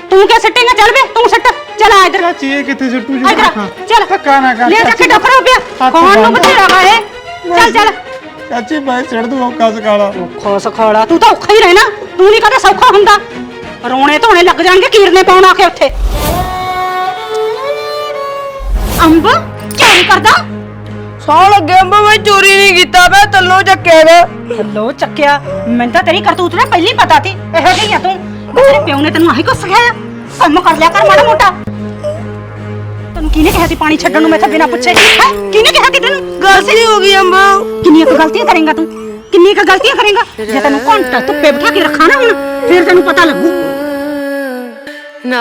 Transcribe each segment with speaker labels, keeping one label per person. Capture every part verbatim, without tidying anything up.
Speaker 1: ਤੂੰ ਕਿਆ ਸੱਟੇਂਗਾ? ਚੱਲ ਵੇ ਤੂੰ ਸੱਟ। ਚੱਲ ਆ ਇਧਰ।
Speaker 2: ਚਾਚੀ ਇਹ ਕਿੱਥੇ ਸੁੱਟੂ ਜੀ?
Speaker 1: ਚੱਲ
Speaker 2: ਧੱਕਾ ਨਾ ਕਰ
Speaker 1: ਲੈ ਜਾ ਕੇ ਡਫਰ ਹੋ ਪਿਆ। ਕੌਣ ਨੂੰ ਬਥੇਰਾ ਵਾ ਇਹ? ਚੱਲ ਚੱਲ
Speaker 2: ਚਾਚੀ ਮੈਂ ਛੱਡ ਦੂੰ ਔਖਾ ਸਖਾਲਾ।
Speaker 1: ਔਖਾ ਸਖਾਲਾ ਤੂੰ ਤਾਂ ਔਖਾ ਹੀ ਰਹਿਣਾ। ਤੂੰ ਨਹੀਂ ਕਦੇ ਸੌਖਾ ਹੁੰਦਾ। ਰੋਣੇ ਧੋਣੇ ਲੱਗ ਜਾਣਗੇ ਕੀਰਨੇ ਪਾਉਣ ਆ ਕੇ ਉੱਥੇ। ਅੰਬ ਕੀ ਕਰਦਾ?
Speaker 3: ਸੌ ਲੱਗੇ ਅੰਬ ਮੈਂ ਚੋਰੀ ਨਹੀਂ ਕੀਤਾ ਮੈਂ ਤੱਲੋਂ ਚੱਕਿਆ ਗਾ।
Speaker 1: ਹੱਲੋ ਚੱਕਿਆ? ਮੈਨੂੰ ਤਾਂ ਤੇਰੀ ਕਰਤੂਤ ਨਾ ਪਹਿਲੀ ਪਤਾ ਸੀ। ਇਹੋ ਜਿਹੀ ਆ ਤੂੰ। ਤੇਰੇ ਪਿਓ ਨੇ ਤੈਨੂੰ ਆਹੀ ਕੁਛ ਸਿਖਾਇਆ? ਕੰਮ ਕਰ ਲਿਆ ਕਰ ਮਾੜਾ ਮੋਟਾ। ਤੈਨੂੰ ਕਿਹਨੇ ਕਿਹਾ ਸੀ ਪਾਣੀ ਛੱਡਣ ਨੂੰ ਮੈਥੋਂ ਬਿਨਾਂ ਪੁੱਛੇ? ਹੈ ਕਿਹਨੇ ਕਿਹਾ ਸੀ ਤੈਨੂੰ?
Speaker 3: ਗਲਤੀ ਹੋ ਗਈ ਅੰਬ।
Speaker 1: ਕਿੰਨੀਆਂ ਕੁ ਗਲਤੀਆਂ ਕਰੇਂਗਾ ਤੂੰ? ਕਿੰਨੀਆਂ ਕੁ ਗਲਤੀਆਂ ਕਰੇਂਗਾ? ਜੇ ਤੈਨੂੰ ਘੰਟਾ ਧੁੱਪੇ ਬਿਠਾ ਕੇ ਰੱਖਾਂ ਨਾ ਹੁਣ ਫਿਰ ਤੈਨੂੰ ਪਤਾ ਲੱਗੂ।
Speaker 3: ਨਾ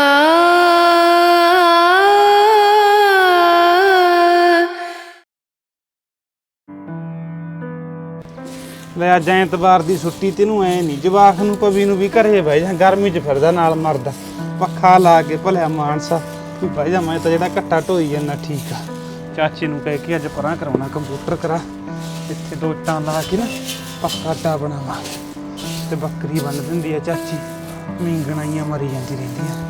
Speaker 2: ਲੈ ਅੱਜ ਐਤਵਾਰ ਦੀ ਛੁੱਟੀ ਤੈਨੂੰ ਐ ਨਹੀਂ ਜਵਾਖ ਨੂੰ ਪਵੀ ਨੂੰ ਵੀ ਘਰੇ ਬਹਿ ਜਾ। ਗਰਮੀ 'ਚ ਫਿਰਦਾ ਨਾਲ ਮਰਦਾ। ਪੱਖਾ ਲਾ ਕੇ ਭਲਿਆ ਮਾਨਸਾ ਤੂੰ ਬਹਿ ਜਾ। ਮੈਂ ਤਾਂ ਜਿਹੜਾ ਘੱਟਾ ਢੋਈ ਜਾਂਦਾ ਠੀਕ ਆ। ਚਾਚੀ ਨੂੰ ਕਹਿ ਕੇ ਅੱਜ ਪਰਾਂ ਕਰਾਉਣਾ ਕੰਪਿਊਟਰ ਕਰਾ। ਇੱਥੇ ਦੋ ਇੱਟਾਂ ਲਾ ਕੇ ਨਾ ਪੱਕਾ ਅੱਡਾ ਬਣਾਵਾ ਤੇ ਬੱਕਰੀ ਬੰਨ ਦਿੰਦੀ ਆ ਚਾਚੀ। ਮੀਂਗਣਾਈਆਂ ਮਰੀ ਜਾਂਦੀ ਰਹਿੰਦੀਆਂ।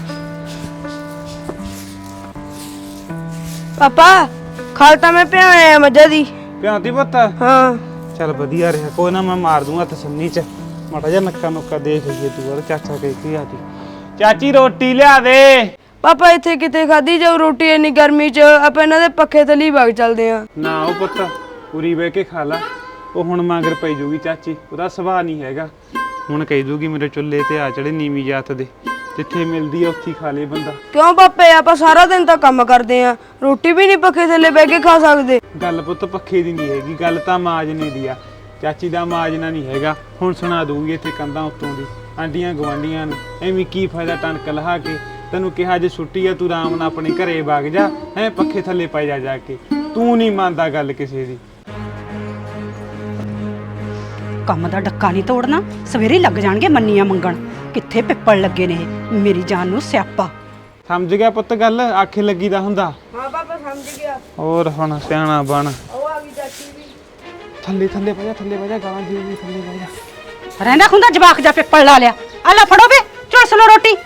Speaker 3: ਪਾਪਾ ਖਾਲ ਤਾਂ ਮੈਂ ਪਿਆਇਆ ਮੱਝਾਂ ਦੀ।
Speaker 2: ਪਿਆਂਤੀ ਪੁੱਤ?
Speaker 3: ਹਾਂ
Speaker 2: ਚੱਲ ਵਧੀਆ ਰਿਹਾ। ਕੋਈ ਨਾ ਮੈਂ ਮਾਰ ਦੂੰਗਾ ਤਸੰਨੀ ਚ। ਮਾੜਾ ਜਿਹਾ ਨੱਕਾ ਨੁੱਕਾ ਦੇਖ ਲਈਏ ਤੂੰ। ਔਰ ਚਾਚਾ ਕਹਿ ਕੇ ਆ ਜੀ ਚਾਚੀ ਰੋਟੀ ਲਿਆ ਦੇ।
Speaker 3: ਪਾਪਾ ਇੱਥੇ ਕਿਤੇ ਖਾਧੀ ਜਾਊ ਰੋਟੀ ਇੰਨੀ ਗਰਮੀ 'ਚ। ਆਪਾਂ ਇਹਨਾਂ ਦੇ ਪੱਖੇ ਥੱਲੇ ਵਗ ਚੱਲਦੇ ਆ।
Speaker 2: ਨਾ ਉਹ ਪੁੱਤ ਪੂਰੀ ਬਹਿ ਕੇ ਖਾ ਲਾ। ਉਹ ਹੁਣ ਮਗਰ ਪਈ ਜੂਗੀ ਚਾਚੀ। ਉਹਦਾ ਸੁਭਾਅ ਨਹੀਂ ਹੈਗਾ। ਹੁਣ ਕਹਿ ਦੂਗੀ ਮੇਰੇ ਚੁੱਲ੍ਹੇ ਤੇ ਆ ਚੜੇ ਨੀਵੀਂ ਜਾਤ ਦੇ। ਜਿੱਥੇ ਮਿਲਦੀ ਆ ਉੱਥੇ ਖਾ ਲੇ ਬੰਦਾ।
Speaker 3: ਕਿਉਂ ਪਾਪੇ ਆਪਾਂ ਸਾਰਾ ਦਿਨ ਤਾਂ ਕੰਮ ਕਰਦੇ ਆ। ਰੋਟੀ ਵੀ ਨਹੀਂ ਪੱਖੇ ਥੱਲੇ ਬਹਿ ਕੇ ਖਾ ਸਕਦੇ।
Speaker 2: ਗੱਲ ਪੁੱਤ ਪੱਖੇ ਦੀ ਨਹੀਂ ਹੈਗੀ। ਗੱਲ ਤਾਂ ਮਾਜਨੇ ਦੀ ਆ। ਚਾਚੀ ਦਾ ਮਾਜਨਾ ਨਹੀਂ ਹੈਗਾ। ਹੁਣ ਸੁਣਾ ਦੂਗੀ ਇੱਥੇ ਕੰਧਾਂ ਉੱਤੋਂ ਦੀ ਆਂਡੀਆਂ ਗਵਾਂਡੀਆਂ ਨੂੰ। ਐਵੇਂ ਕੀ ਫਾਇਦਾ ਟਣਕ ਲਹਾ ਕੇ। ਤੈਨੂੰ ਕਿਹਾ ਜੇ ਛੁੱਟੀ ਆ ਤੂੰ ਆਰਾਮ ਨਾਲ ਆਪਣੇ ਘਰੇ ਵਗ ਜਾ। ਹੈ ਪੱਖੇ ਥੱਲੇ ਪੈ ਜਾ ਜਾ ਕੇ। ਤੂੰ ਨਹੀਂ ਮੰਨਦਾ ਗੱਲ ਕਿਸੇ ਦੀ।
Speaker 1: ਕੰਮ ਦਾ ਡੱਕਾ ਨਹੀਂ ਤੋੜਨਾ। ਸਵੇਰੇ ਲੱਗ ਜਾਣਗੇ ਮੰਨੀਆਂ ਮੰਗਣ। ਕਿੱਥੇ ਪਿੱਪਲ ਲੱਗੇ ਨੇ ਇਹ। ਮੇਰੀ ਜਾਨ ਨੂੰ ਸਿਆਪਾ।
Speaker 2: ਸਮਝ ਗਿਆ ਪੁੱਤ ਗੱਲ? ਆਖੇ ਲੱਗੀ ਦਾ ਹੁੰਦਾ।
Speaker 3: ਹਾਂ ਪਾਪਾ ਸਮਝ ਗਿਆ।
Speaker 2: ਹੋਰ ਹੁਣ ਸਿਆਣਾ ਬਣ।
Speaker 3: ਉਹ ਆ ਗਈ ਚਾਚੀ ਵੀ।
Speaker 2: ਥੱਲੇ ਥੱਲੇ ਪੈ ਜਾ ਥੱਲੇ ਪੈ ਜਾ। ਗਾਂ ਜੀ ਵੀ ਥੱਲੇ ਪੈ ਜਾ।
Speaker 1: ਰਹਿੰਦਾ ਹੁੰਦਾ ਜਵਾਕ ਜਾ ਪਿੱਪਲ ਲਾ ਲਿਆ। ਆ ਲੈ ਫੜੋ ਵੇ ਝੁਲਸ ਲੋ ਰੋਟੀ।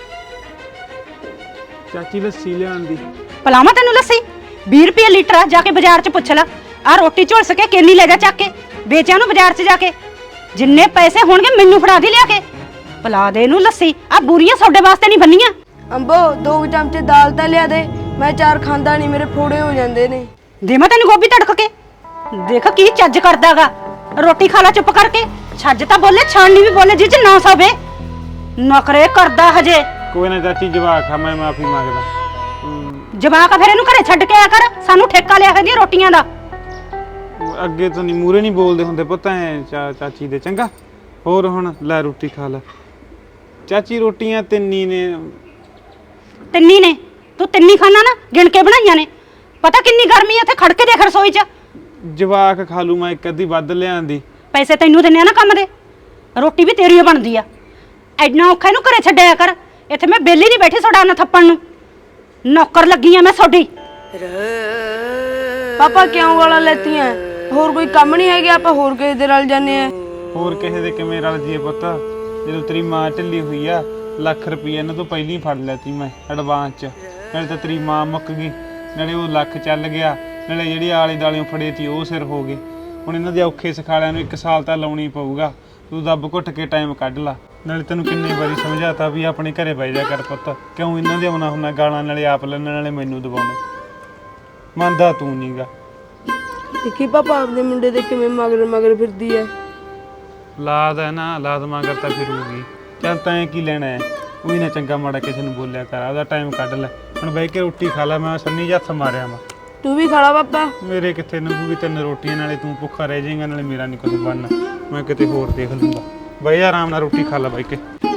Speaker 2: ਚਾਚੀ ਲੱਸੀ ਲਿਆਉਣ ਦੀ।
Speaker 1: ਪਲਾਵਾਂ ਤੈਨੂੰ ਲੱਸੀ? ਵੀਹ ਰੁਪਏ ਲੀਟਰ ਆ। ਜਾ ਕੇ ਬਾਜ਼ਾਰ 'ਚ ਪੁੱਛ ਲੈ। ਆ ਰੋਟੀ ਝੁਲਸ ਕੇ ਕੇਲੀ ਲੈ ਜਾ ਚੱਕ ਕੇ। ਵੇਚਿਆ ਨੂੰ ਬਾਜ਼ਾਰ 'ਚ ਜਾ ਕੇ। ਜਿੰਨੇ ਪੈਸੇ ਹੋਣਗੇ ਮੈਨੂੰ ਫੜਾ ਦੇ ਲਿਆ ਕੇ। ਪਲਾ ਦੇ ਇਹਨੂੰ ਲੱਸੀ। ਆ ਬੁਰੀਆਂ ਤੁਹਾਡੇ ਵਾਸਤੇ ਨਹੀਂ ਬੰਨੀਆਂ।
Speaker 3: ਅੰਬੋ ਦੋ ਚਮਚੇ ਦਾਲ ਤਾਂ ਲਿਆ ਦੇ। ਮੈਂ ਚਾਰ ਖਾਂਦਾ ਨਹੀਂ ਮੇਰੇ ਫੋੜੇ ਹੋ ਜਾਂਦੇ ਨੇ।
Speaker 1: ਦੇ ਮੈਂ ਤੈਨੂੰ ਗੋਭੀ ਤੜਕ ਕੇ। ਦੇਖ ਕੀ ਚੱਜ ਕਰਦਾਗਾ। ਰੋਟੀ ਖਾ ਲੈ ਚੁੱਪ ਕਰਕੇ। ਛੱਜ ਤਾਂ ਬੋਲੇ ਛਾਣਨੀ ਵੀ ਬੋਲੇ ਜਿਹ 'ਚ ਨੌ ਸੌ ਵੇ। ਨਖਰੇ ਕਰਦਾ ਹਜੇ।
Speaker 2: ਕੋਈ ਨਾ ਚਾਚੀ ਜਵਾਕ ਆ। ਮੈਂ ਮਾਫੀ ਮੰਗਦਾ।
Speaker 1: ਜਵਾਕ ਆ ਫਿਰ ਇਹਨੂੰ ਘਰੇ ਛੱਡ ਕੇ ਆਇਆ ਕਰ। ਸਾਨੂੰ ਠੇਕਾ ਲਿਆ ਹੈਗੀ ਰੋਟੀਆਂ ਦਾ।
Speaker 2: ਅੱਗੇ ਤੋਂ ਨਹੀਂ ਮੂਰੇ ਨਹੀਂ ਬੋਲਦੇ ਹੁੰਦੇ ਪੁੱਤ ਐ ਚਾਚੀ ਦੇ। ਚੰਗਾ ਹੋਰ ਹੁਣ ਲੈ ਰੋਟੀ ਖਾ ਲੈ। ਚਾਚੀ ਰੋਟੀਆਂ ਤਿੰਨੀ ਨੇ।
Speaker 1: ਤਿੰਨੀ ਨੇ? ਤੂੰ ਤਿੰਨੀ ਖਾਣਾ ਨਾ ਗਿਣ ਕੇ ਬਣਾਈਆਂ ਨੇ। ਪਤਾ ਕਿੰਨੀ ਗਰਮੀ ਆ ਇੱਥੇ। ਖੜ ਕੇ ਦੇਖ ਰਸੋਈ 'ਚ।
Speaker 2: ਜਵਾਕ ਖਾ ਲੂ ਮੈਂ ਇੱਕ ਅੱਧੀ ਵੱਧ ਲਿਆਂਦੀ।
Speaker 1: ਪੈਸੇ ਤੈਨੂੰ ਦਿੰਨੇ ਆ ਨਾ ਕੰਮ ਦੇ। ਰੋਟੀ ਵੀ ਤੇਰੀ ਓ ਬਣਦੀ ਆ। ਐਨਾ ਔਖਾ ਇਹਨੂੰ ਘਰੇ ਛੱਡਿਆ ਕਰ। ਇੱਥੇ ਮੈਂ ਬੇਲੀ ਨਹੀਂ ਬੈਠੀ ਤੁਹਾਡਾ ਨਾ ਥੱਪਣ ਨੂੰ। ਨੌਕਰ ਲੱਗੀ ਆ ਮੈਂ ਤੁਹਾਡੀ।
Speaker 3: ਪਾਪਾ ਕਿਉਂ ਗਾਲਾਂ ਲੈਤੀਆਂ? ਹੋਰ ਕੋਈ ਕੰਮ ਨਹੀਂ ਹੈਗਾ? ਆਪਾਂ ਹੋਰ ਕਿਸੇ ਦੇ ਨਾਲ ਜਾਂਦੇ ਆ।
Speaker 2: ਹੋਰ ਕਿਸੇ ਦੇ ਕਿਵੇਂ ਰਲ ਜੀਏ ਪੁੱਤ? ਜਦੋਂ ਤੇਰੀ ਮਾਂ ਢਿੱਲੀ ਹੋਈ ਆ ਲੱਖ ਰੁਪਈਆ ਇਹਨਾਂ ਤੋਂ ਪਹਿਲਾਂ ਹੀ ਫੜ ਲੈਤੀ ਮੈਂ ਐਡਵਾਂਸ 'ਚ। ਨਾਲੇ ਤਾਂ ਤੇਰੀ ਮਾਂ ਮੁੱਕ ਗਈ। ਨਾਲੇ ਉਹ ਲੱਖ ਚੱਲ ਗਿਆ। ਨਾਲੇ ਜਿਹੜੀ ਆਲੇ ਦਾਲਿਓਂ ਫੜੇ ਤੀ ਉਹ ਸਿਰ ਹੋ ਗਏ। ਹੁਣ ਇਹਨਾਂ ਦੇ ਔਖੇ ਸਖਾਲਿਆਂ ਨੂੰ ਇੱਕ ਸਾਲ ਤਾਂ ਲਾਉਣੀ ਪਊਗਾ। ਤੂੰ ਦੱਬ ਘੁੱਟ ਕੇ ਟਾਈਮ ਕੱਢ ਲਾ। ਨਾਲੇ ਤੈਨੂੰ ਕਿੰਨੀ ਵਾਰੀ ਸਮਝਾਤਾ ਵੀ ਆਪਣੇ ਘਰੇ ਬਹਿ ਜਾ ਕਰ ਪੁੱਤ। ਕਿਉਂ ਇਹਨਾਂ ਦੇ ਆਉਣਾ ਹੁੰਦਾ ਗਾਲਾਂ? ਨਾਲੇ ਆਪ ਲੈਣ ਨਾਲੇ ਮੈਨੂੰ ਦਬਾਉਣੇ। ਮੰਨਦਾ ਤੂੰ ਨੀਗਾ।
Speaker 3: ਦੇਖੀ ਪਾਪਾ ਆਪਦੇ ਮੁੰਡੇ ਦੇ ਕਿਵੇਂ ਮਗਰ ਮਗਰ ਫਿਰਦੀ ਐ।
Speaker 2: ਲਾਦ ਹੈ ਨਾ। ਲਾਦ ਮਗਰ ਤਾਂ ਫਿਰੂਗੀ। ਚੱਲ ਤੈਂ ਕੀ ਲੈਣਾ ਹੈ? ਉਹੀ ਨਾ ਚੰਗਾ ਮਾੜਾ ਕਿਸੇ ਨੂੰ ਬੋਲਿਆ ਕਰ। ਆਪਦਾ ਟਾਈਮ ਕੱਢ ਲੈ। ਹੁਣ ਬਹਿ ਕੇ ਰੋਟੀ ਖਾ ਲੈ। ਮੈਂ ਸੰਨੀ ਜਿਹੀ ਹੱਥ ਮਾਰਿਆ ਵਾ।
Speaker 3: ਤੂੰ ਵੀ ਖਾ ਲਾ ਪਾਪਾ।
Speaker 2: ਮੇਰੇ ਕਿੱਥੇ ਨੰਗੂਗੀ ਤਿੰਨ ਰੋਟੀਆਂ। ਨਾਲੇ ਤੂੰ ਭੁੱਖਾ ਰਹਿ ਜਾਏਗਾ ਨਾਲੇ ਮੇਰਾ ਨਹੀਂ ਕੁਝ ਬਣਨਾ। ਮੈਂ ਕਿਤੇ ਹੋਰ ਦੇਖ ਲੂੰਗਾ। ਬਈ ਆਰਾਮ ਨਾਲ ਰੋਟੀ ਖਾ ਲੈ ਬਹਿ ਕੇ।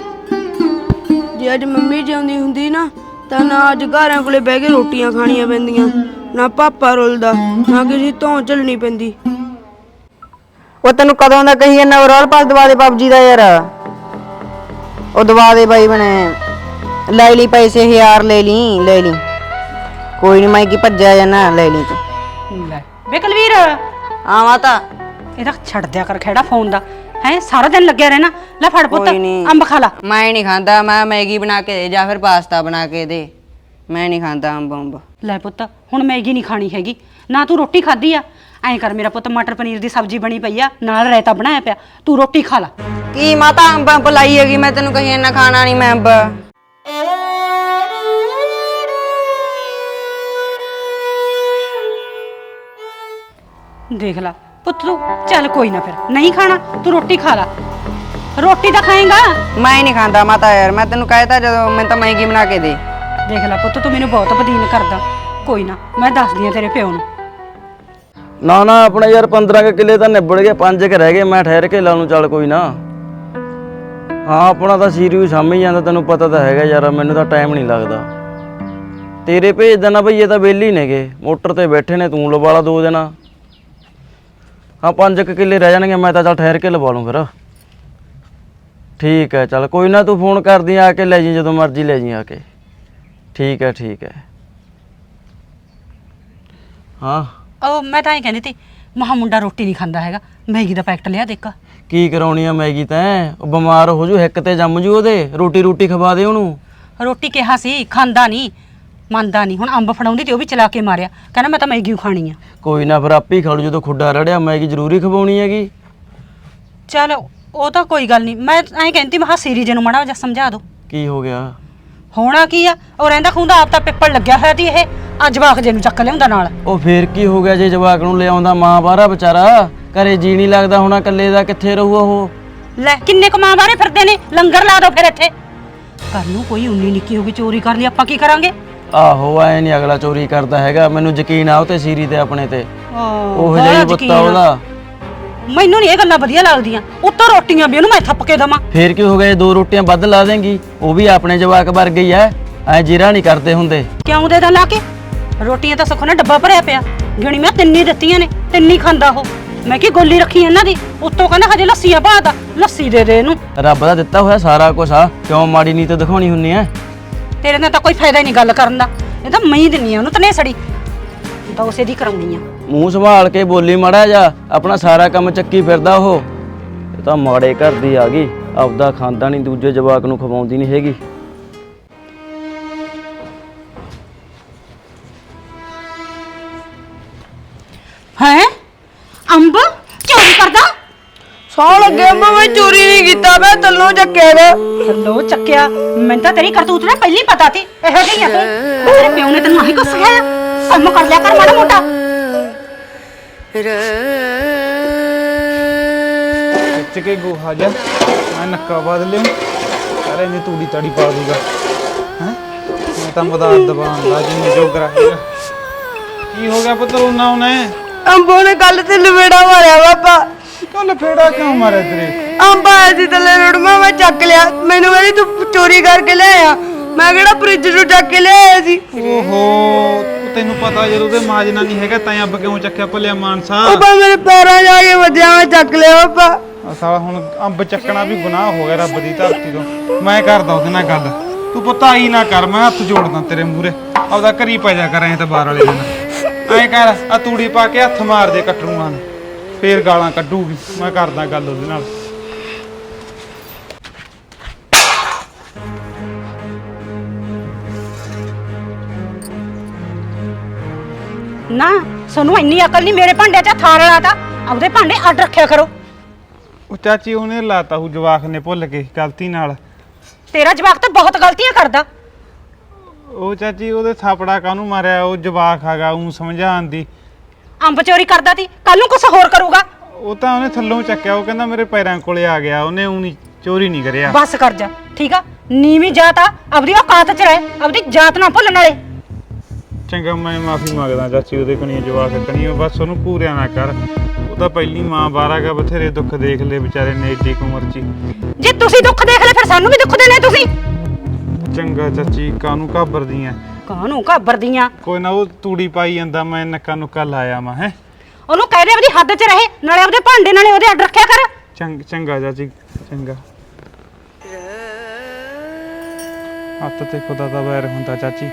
Speaker 3: ਜੇ ਅੱਜ ਮੰਮੀ ਜਿਉਂਦੀ ਹੁੰਦੀ ਨਾ ਤਾਂ ਨਾ ਅੱਜ ਘਰਾਂ ਕੋਲੇ ਬਹਿ ਕੇ ਰੋਟੀਆਂ ਖਾਣੀਆਂ ਪੈਂਦੀਆਂ। ਨਾ ਪਾਪਾ ਰੁਲਦਾ ਨਾ ਕਿਸੇ ਤੋਂ ਝੱਲਣੀ ਪੈਂਦੀ।
Speaker 4: ਉਹ ਤੈਨੂੰ ਕਦੋਂ ਦਾ ਕਹੀ ਜਾਂਦਾ ਰੋਲ ਪਾਸ ਦਵਾ ਦੇ ਪਬਜੀ ਦਾ ਯਾਰ। ਉਹ ਦਵਾ ਦੇ ਬਾਈ ਬਣੇ। ਲੈ ਲਈ ਪੈਸੇ ਹਜ਼ਾਰ ਲੈ ਲਈ ਲੈ ਲਈ। ਕੋਈ ਨਹੀਂ ਮੈਂ ਕੀ ਭੱਜਿਆ ਜਾਣਾ। ਲੈ ਲਈ ਤੂੰ।
Speaker 1: ਲੈ ਵੇ ਕੁਲਵੀਰ
Speaker 4: ਆਵਾਂ ਤਾਂ।
Speaker 1: ਇਹਦਾ ਛੱਡ ਦਿਆ ਕਰ ਖੇੜਾ ਫੋਨ ਦਾ। ਹੈ ਸਾਰਾ ਦਿਨ ਲੱਗਿਆ ਰਹਿਣਾ। ਲੈ ਫੜ ਪੁੱਤ
Speaker 4: ਕੋਈ ਨੀ।
Speaker 1: ਅੰਬ ਖਾ ਲਾ।
Speaker 4: ਮੈਂ ਨਹੀਂ ਖਾਂਦਾ, ਮੈਂ ਮੈਗੀ ਬਣਾ ਕੇ ਦੇ ਜਾਂ ਫਿਰ ਪਾਸਤਾ ਬਣਾ ਕੇ ਦੇ। ਮੈਂ ਨਹੀਂ ਖਾਂਦਾ ਅੰਬ ਅੰਬ।
Speaker 1: ਲੈ ਪੁੱਤ ਹੁਣ ਮੈਗੀ ਨਹੀਂ ਖਾਣੀ ਹੈਗੀ ਨਾ, ਤੂੰ ਰੋਟੀ ਖਾਧੀ ਆ। ਐਂ ਕਰ ਮੇਰਾ ਪੁੱਤ, ਮਟਰ ਪਨੀਰ ਦੀ ਸਬਜ਼ੀ ਬਣੀ ਪਈ ਆ, ਨਾਲ ਰਾਇਤਾ ਬਣਾਇਆ ਪਿਆ, ਤੂੰ ਰੋਟੀ ਖਾ ਲਾ।
Speaker 4: ਕੀ ਮਾਤਾ ਅੰਬ ਅੰਬ ਲਾਈ ਹੈਗੀ, ਮੈਂ ਤੈਨੂੰ ਕਹੀ ਇੰਨਾ ਖਾਣਾ ਨਹੀਂ ਮੈਂ ਅੰਬ।
Speaker 1: ਦੇਖ ਲਾ ਪੁੱਤ ਤੂੰ, ਚੱਲ ਕੋਈ ਨਾ ਫਿਰ ਨਹੀਂ ਖਾਣਾ, ਤੂੰ ਰੋਟੀ ਖਾ ਲਾ। ਰੋਟੀ ਤਾਂ ਖਾਏਗਾ।
Speaker 4: ਮੈਂ ਨਹੀਂ ਖਾਂਦਾ ਮਾਤਾ ਯਾਰ, ਮੈਂ ਤੈਨੂੰ ਕਹਿਤਾ ਜਦੋਂ ਮੈਂ ਤਾਂ ਮੈਗੀ ਬਣਾ ਕੇ ਦੇ।
Speaker 1: ਦੇਖ ਲੈ ਪੁੱਤ, ਤੂੰ ਮੈਨੂੰ ਬਹੁਤ ਬਦੀਨ ਕਰਦਾ। ਕੋਈ ਨਾ ਮੈਂ ਦੱਸਦੀ ਆ ਤੇਰੇ ਪਿਓ ਨੂੰ।
Speaker 5: ਨਾ ਨਾ ਆਪਣਾ ਯਾਰ ਪੰਦਰਾਂ ਕੁ ਕਿੱਲੇ ਤਾਂ ਨਿਬੜ ਗਏ, ਪੰਜ ਕੁ ਰਹਿ ਗਏ, ਮੈਂ ਠਹਿਰ ਕੇ ਲਾ ਲੂੰ। ਚੱਲ ਕੋਈ ਨਾ। ਹਾਂ ਆਪਣਾ ਤਾਂ ਸੀਰੀਅਸ ਸਾਂਭੀ ਜਾਂਦਾ, ਤੈਨੂੰ ਪਤਾ ਤਾਂ ਹੈਗਾ ਯਾਰ, ਮੈਨੂੰ ਤਾਂ ਟਾਈਮ ਨਹੀਂ ਲੱਗਦਾ। ਤੇਰੇ ਭੇਜ ਦੇਣਾ ਬਈ, ਇਹ ਤਾਂ ਵਿਹਲੇ ਹੀ ਨੇਗੇ, ਮੋਟਰ ਤੇ ਬੈਠੇ ਨੇ, ਤੂੰ ਲਵਾ ਲਾ ਦੋ ਦਿਨ। ਹਾਂ ਪੰਜ ਕੁ ਕਿੱਲੇ ਰਹਿ ਜਾਣਗੇ, ਮੈਂ ਤਾਂ ਚੱਲ ਠਹਿਰ ਕੇ ਲਵਾ ਲੂੰ ਫਿਰ। ਠੀਕ ਹੈ ਚੱਲ ਕੋਈ ਨਾ, ਤੂੰ ਫੋਨ ਕਰਦੀ ਆ ਕੇ ਲੈ ਜੀ, ਜਦੋਂ ਮਰਜ਼ੀ ਲੈ ਜੀ ਆ ਕੇ। ਠੀਕ ਹੈ ਠੀਕ ਹੈ। ਹਾਂ
Speaker 1: ਉਹ ਮੈਂ ਤਾਂ ਐਂ ਕਹਿੰਦੀ ਤੀ, ਮਹਾ ਮੁੰਡਾ ਰੋਟੀ ਨਹੀਂ ਖਾਂਦਾ ਹੈਗਾ, ਮੈਗੀ ਦਾ ਪੈਕਟ ਲਿਆ ਦੇਖ।
Speaker 5: ਕੀ ਕਰਾਉਣੀ ਆ ਮੈਗੀ ਤੈਂ? ਉਹ ਬਿਮਾਰ ਹੋ ਜੂ, ਹਿੱਕ ਤੇ ਜੰਮ ਜੂ ਉਹਦੇ। ਰੋਟੀ ਰੋਟੀ ਖਵਾ ਦੇ ਉਹਨੂੰ।
Speaker 1: ਰੋਟੀ ਕਿਹਾ ਸੀ, ਖਾਂਦਾ ਨਹੀਂ, ਮੰਨਦਾ ਨਹੀਂ। ਹੁਣ ਅੰਬ ਫੜਾਉਂਦੀ ਤੇ ਉਹ ਵੀ ਚਲਾ ਕੇ ਮਾਰਿਆ, ਕਹਿੰਦਾ ਮੈਂ ਤਾਂ ਮੈਗੀ ਖਾਣੀ ਆ।
Speaker 5: ਕੋਈ ਨਾ ਫਿਰ ਆਪੇ ਹੀ ਖਾ ਲੂ, ਜਦੋਂ ਖੁੱਡਾ ਰੜਿਆ। ਮੈਗੀ ਜ਼ਰੂਰੀ ਖਵਾਉਣੀ ਹੈਗੀ।
Speaker 1: ਚਲ ਉਹ ਤਾਂ ਕੋਈ ਗੱਲ ਨਹੀਂ, ਮੈਂ ਐਂ ਕਹਿੰਦੀ ਮਹਾ ਸੀਰੀ ਜੀ ਨੂੰ ਮਾੜਾ ਜਿਹਾ ਸਮਝਾ ਦੋ।
Speaker 5: ਕੀ ਹੋ ਗਿਆ?
Speaker 1: ਹੋਣਾ ਕੀ ਆ, ਉਹ ਰਹਿੰਦਾ ਖੁੰਦਾ ਆਪ ਤਾਂ ਪਿੱਪਲ ਲੱਗਿਆ ਹੋਇਆ ਤੀ, ਇਹ ਅੱਜ ਜਵਾਕ ਜੇ ਨੂੰ ਚੱਕ ਲਿਆਉਂਦਾ ਨਾਲ।
Speaker 5: ਉਹ ਫੇਰ ਕੀ ਹੋ ਗਿਆ ਜੇ ਜਵਾਕ ਨੂੰ ਲਿਆਉਂਦਾ? ਮਾਂ ਬਾਹਰਾ ਵਿਚਾਰਾ, ਘਰੇ ਜੀ ਨਹੀਂ ਲੱਗਦਾ ਹੋਣਾ, ਇਕੱਲੇ ਦਾ ਕਿੱਥੇ ਰਹੂਗਾ ਉਹ?
Speaker 1: ਲੈ ਕਿੰਨੇ ਕਮਾਂ ਬਾਰੇ ਫਿਰਦੇ ਨੇ, ਲੰਗਰ ਲਾ ਦੋ ਫਿਰ ਇੱਥੇ। ਕੱਲ ਨੂੰ ਕੋਈ ਉਨੀ ਨਿੱਕੀ ਹੋ ਗਈ ਚੋਰੀ ਕਰ ਲਈ, ਆਪਾਂ ਕੀ ਕਰਾਂਗੇ?
Speaker 5: ਆਹੋ ਐ ਨਹੀਂ ਅਗਲਾ ਚੋਰੀ ਕਰਦਾ ਹੈਗਾ, ਮੈਨੂੰ ਯਕੀਨ ਆ ਉਹ ਤੇ ਸੀਰੀ ਤੇ ਆਪਣੇ ਤੇ। ਉਹ
Speaker 1: ਬੜਾ
Speaker 5: ਜਿਹੀ
Speaker 1: ਯਕੀਨ
Speaker 5: ਬੁੱਤਾ
Speaker 1: ਆ।
Speaker 5: ਉਹਦਾ।
Speaker 1: ਮੈਨੂੰ ਨਹੀਂ ਇਹ ਗੱਲਾਂ ਵਧੀਆ ਲੱਗਦੀਆਂ। ਉੱਤੋਂ ਰੋਟੀਆਂ ਵੀ ਉਹਨੂੰ ਮੈਂ ਥੱਪ ਕੇ ਦਵਾਂ।
Speaker 5: ਫੇਰ ਕੀ ਹੋ ਗਿਆ ਜੇ ਦੋ ਰੋਟੀਆਂ ਵੱਧ ਲਾ ਦੇਂਗੀ? ਉਹ ਵੀ ਆਪਣੇ ਜਵਾਕ ਵਰਗੇ ਹੀ ਐ, ਐ ਜਿਰਾ ਨਹੀਂ ਕਰਦੇ ਹੁੰਦੇ।
Speaker 1: ਕਿਉਂ ਦੇ ਦਾਂ ਲਾ ਕੇ? ਰੋਟੀਆਂ ਤਾਂ ਸੁੱਖ ਨਾਲ ਡੱਬਾ ਭਰਿਆ ਪਿਆ, ਗਿਣੀ ਮੈਂ ਤਿੰਨੀ ਦਿੱਤੀਆਂ ਨੇ, ਤਿੰਨੀ ਖਾਂਦਾ ਉਹ। ਮੈਂ ਕੀ ਗੋਲੀ ਰੱਖੀ ਇਹਨਾਂ ਦੀ, ਉੱਤੋਂ ਕਹਿੰਦਾ ਹਜੇ ਲੱਸੀਆਂ ਭਾਦਾ, ਲੱਸੀ ਦੇ ਦੇ ਇਹਨੂੰ।
Speaker 5: ਰੱਬ ਦਾ ਦਿੱਤਾ ਹੋਇਆ ਸਾਰਾ ਕੁਝ ਆ, ਕਿਉਂ ਮਾੜੀ ਨੀਤ ਦਿਖਾਉਣੀ ਹੁੰਨੀ ਐ?
Speaker 1: ਤੇਰੇ ਨਾਲ ਤਾਂ ਕੋਈ ਫਾਇਦਾ ਹੀ ਨਹੀਂ ਗੱਲ ਕਰਨ ਦਾ, ਇਹ ਤਾਂ ਮੈਂ ਹੀ ਦਿੰਨੀ ਆ ਉਹਨੂੰ ਤਨੇ ਸੜੀ, ਤਾਂ ਉਸੇ ਦੀ ਕਰਾਉਣੀ ਆ।
Speaker 5: ਮੂੰਹ ਸੰਭਾਲ ਕੇ ਬੋਲੀ ਮਾੜਾ ਜਾ, ਆਪਣਾ ਸਾਰਾ ਕੰਮ ਚੱਕੀ ਫਿਰਦਾ ਉਹ। ਇਹ ਤਾਂ ਮਾੜੇ ਘਰ ਦੀ ਆ ਗਈ, ਆਪਦਾ ਖਾਂਦਾ ਨਹੀਂ, ਦੂਜੇ ਜਵਾਕ ਨੂੰ ਖਵਾਉਂਦੀ ਨਹੀਂ ਹੈਗੀ।
Speaker 1: ਹੈ ਅੰਬ ਚੋਰੀ ਕਰਦਾ?
Speaker 3: ਸੌ ਲੱਗੇ ਅੰਬ, ਮੈਂ ਚੋਰੀ ਨਹੀਂ ਕੀਤਾ, ਮੈਂ ਤੱਲੋਂ ਚੱਕਿਆ ਵਾ।
Speaker 1: ਲੋ ਚੱਕਿਆ? ਮੈਨੂੰ ਤਾਂ ਤੇਰੀ ਕਰਤੂਤ ਨੇ ਪਹਿਲੀ ਪਤਾ ਸੀ, ਇਹੋ ਜਿਹੀ ਆ ਤੂੰ। ਤੇਰੇ ਪਿਓ ਨੇ ਤੈਨੂੰ ਆਹੀ ਕੁਛ ਸਿਖਾਇਆ? ਕੰਮ ਕਰ ਲਿਆ ਕਰ ਮਾੜਾ ਮੋਟਾ।
Speaker 2: ਖਿੱਚ ਕੇ ਗੋਹਾ ਜਾ, ਮੈਂ ਨੱਕਾ ਬਾਦ ਲਿਆ, ਸਾਰੇ ਨੇ ਤੂੜੀ ਤਾੜੀ ਪਾ ਦੂਗਾ। ਹੈ ਮੈਂ ਤਾਂ ਮਦਾਰ ਦਬਾਨ ਦਾ ਜਿੰਨੇ ਜੋਗਰਾ ਹੈਗਾ। ਕੀ ਹੋ ਗਿਆ ਪੁੱਤਰ? ਉਹਨਾਂ ਉਹਨੇ
Speaker 3: ਅੰਬੋ ਨੇ ਕੱਲ ਤੇ ਲਵੇੜਾ ਮਾਰਿਆ ਪਾਪਾ।
Speaker 2: ਕੱਲ ਫੇੜਾ ਕਿਉਂ ਮਾਰਿਆ ਤੇਰੇ?
Speaker 3: ਅੰਬ ਆਇਆ ਸੀ ਥੱਲੇ ਰੁੜਮਾ, ਮੈਂ ਚੱਕ ਲਿਆ। ਮੈਨੂੰ ਕਹਿੰਦੀ ਤੂੰ ਚੋਰੀ ਕਰਕੇ ਲਿਆਇਆ। ਮੈਂ ਕਿਹੜਾ ਫ੍ਰਿਜ ਨੂੰ ਚੱਕ ਕੇ ਲਿਆਇਆ ਸੀ।
Speaker 2: ਓਹੋ ਤੈਨੂੰ ਪਤਾ ਜਦੋਂ ਉਹਦੇ ਮਾਜਨਾ ਨਹੀਂ ਹੈਗਾ ਤਾਂ ਅੰਬ ਕਿਉਂ ਚੱਕਿਆ ਭਲਿਆ ਮਾਨਸਾ?
Speaker 3: ਪਾਪਾ ਮੇਰੇ ਪੈਰਾਂ ਜਾ ਕੇ ਵੱਜਿਆ, ਮੈਂ ਚੱਕ ਲਿਆ ਪਾਪਾ।
Speaker 2: ਆ ਸਾਲਾ ਹੁਣ ਅੰਬ ਚੱਕਣਾ ਵੀ ਗੁਨਾਹ ਹੋ ਗਿਆ ਰੱਬ ਦੀ ਧਰਤੀ ਤੋਂ। ਮੈਂ ਕਰਦਾ ਉਹਦੇ ਨਾਲ ਗੱਲ, ਤੂੰ ਪੁੱਤ ਆਈ ਨਾ ਕਰ, ਮੈਂ ਹੱਥ ਜੋੜਦਾ ਤੇਰੇ ਮੂਹਰੇ। ਆਪਦਾ ਘਰੀ ਪੈ ਜਾ ਕਰ ਐ ਤਾਂ ਬਾਹਰ ਵਾਲੇ ਦਿਨ। ਐਂ ਕਰ ਆ ਤੂੜੀ ਪਾ ਕੇ ਹੱਥ ਮਾਰ ਦੇ ਕਟਰੂਆਂ ਨੂੰ, ਫੇਰ ਗਾਲਾਂ ਕੱਢੂਗੀ। ਮੈਂ ਕਰਦਾ ਗੱਲ ਉਹਦੇ ਨਾਲ।
Speaker 1: ਨਾ ਸਾਨੂੰ ਇੰਨੀ ਅਕਲ ਨਹੀਂ, ਮੇਰੇ ਭਾਂਡੇ 'ਚ ਥਾਲ ਲਾਤਾ, ਆਪਦੇ ਭਾਂਡੇ ਅੱਡ ਰੱਖਿਆ ਕਰੋ।
Speaker 2: ਉਹ ਚਾਚੀ ਉਹਨੇ ਲਾਤਾ ਹੂ, ਜਵਾਕ ਨੇ ਭੁੱਲ ਕੇ ਗਲਤੀ ਨਾਲ।
Speaker 1: ਤੇਰਾ ਜਵਾਕ ਤਾਂ ਬਹੁਤ ਗਲਤੀਆਂ ਕਰਦਾ।
Speaker 2: ਉਹ ਚਾਚੀ ਉਹਦੇ ਥਾਪੜਾ ਕਾਹਨੂੰ ਮਾਰਿਆ? ਉਹ ਜਵਾਕ ਹੈਗਾ, ਉਹ ਸਮਝਾਉਣ ਦੀ।
Speaker 1: ਅੰਬ ਚੋਰੀ ਕਰਦਾ ਤੀ, ਕੱਲ ਨੂੰ ਕੁਛ ਹੋਰ ਕਰੂਗਾ।
Speaker 2: ਉਹ ਤਾਂ ਉਹਨੇ ਥੱਲੋਂ ਚੱਕਿਆ, ਉਹ ਕਹਿੰਦਾ ਮੇਰੇ ਪੈਰਾਂ ਕੋਲੇ ਆ ਗਿਆ, ਉਹਨੇ ਉਹ ਨਹੀਂ ਚੋਰੀ ਨਹੀਂ ਕਰਿਆ।
Speaker 1: ਬਸ ਕਰ ਜਾ, ਠੀਕ ਆ? ਨੀਵੀਂ ਜਾਤ ਆ, ਆਪਦੀ ਔਕਾਤ 'ਚ ਰਹਿ, ਆਪਦੀ ਜਾਤ ਨਾ ਭੁੱਲਣ ਵਾਲੇ।
Speaker 2: ਚੰਗਾ ਮੈਂ ਮਾਫੀ ਮੰਗਦਾ ਚਾਚੀ, ਉਹਦੇ ਕਣੀ ਜਵਾਕ ਕਣੀ, ਬਸ ਉਹਨੂੰ ਪੂਰਿਆ ਨਾ ਕਰ। ਉਹ ਤਾਂ ਪਹਿਲੀ ਮਾਂ ਬਾਹਰ ਗਿਆ, ਬਥੇਰੇ ਦੁੱਖ ਦੇਖ ਲਏ ਵਿਚਾਰੇ ਨੇ ਏਡੀ ਕੁ ਉਮਰ 'ਚ ਹੀ।
Speaker 1: ਜੇ ਤੁਸੀਂ ਦੁੱਖ ਦੇਖ ਲੈ ਫਿਰ ਸਾਨੂੰ ਵੀ ਦੁੱਖ ਦੇਣੇ ਤੁਸੀਂ।
Speaker 2: ਚੰਗਾ ਚਾਚੀ, ਕਾਹਨੂੰ ਘਾਬਰਦੀ ਐ?
Speaker 1: ਕਾਹਨੂੰ ਘਾਬਰਦੀਆਂ?
Speaker 2: ਕੋਈ ਨਾ, ਉਹ ਤੂੜੀ ਪਾਈ ਜਾਂਦਾ, ਮੈਂ ਨੱਕਾ ਨੁੱਕਾ ਲਾਇਆ ਮੈਂ। ਹੈ
Speaker 1: ਉਹਨੂੰ ਕਹਿ ਦੇ ਆਪਦੀ ਹੱਦ 'ਚ ਰਹੇ, ਨਾਲੇ ਆਪਦੇ ਭਾਂਡੇ ਨਾਲੇ ਉਹਦੇ ਅੱਡ ਰੱਖਿਆ ਕਰ।
Speaker 2: ਚੰਗ ਚੰਗਾ ਚਾਚੀ ਚੰਗਾ। ਹੱਥ ਤੇ ਖੁਦਾ ਦਾ ਵੈਰ ਹੁੰਦਾ ਚਾਚੀ।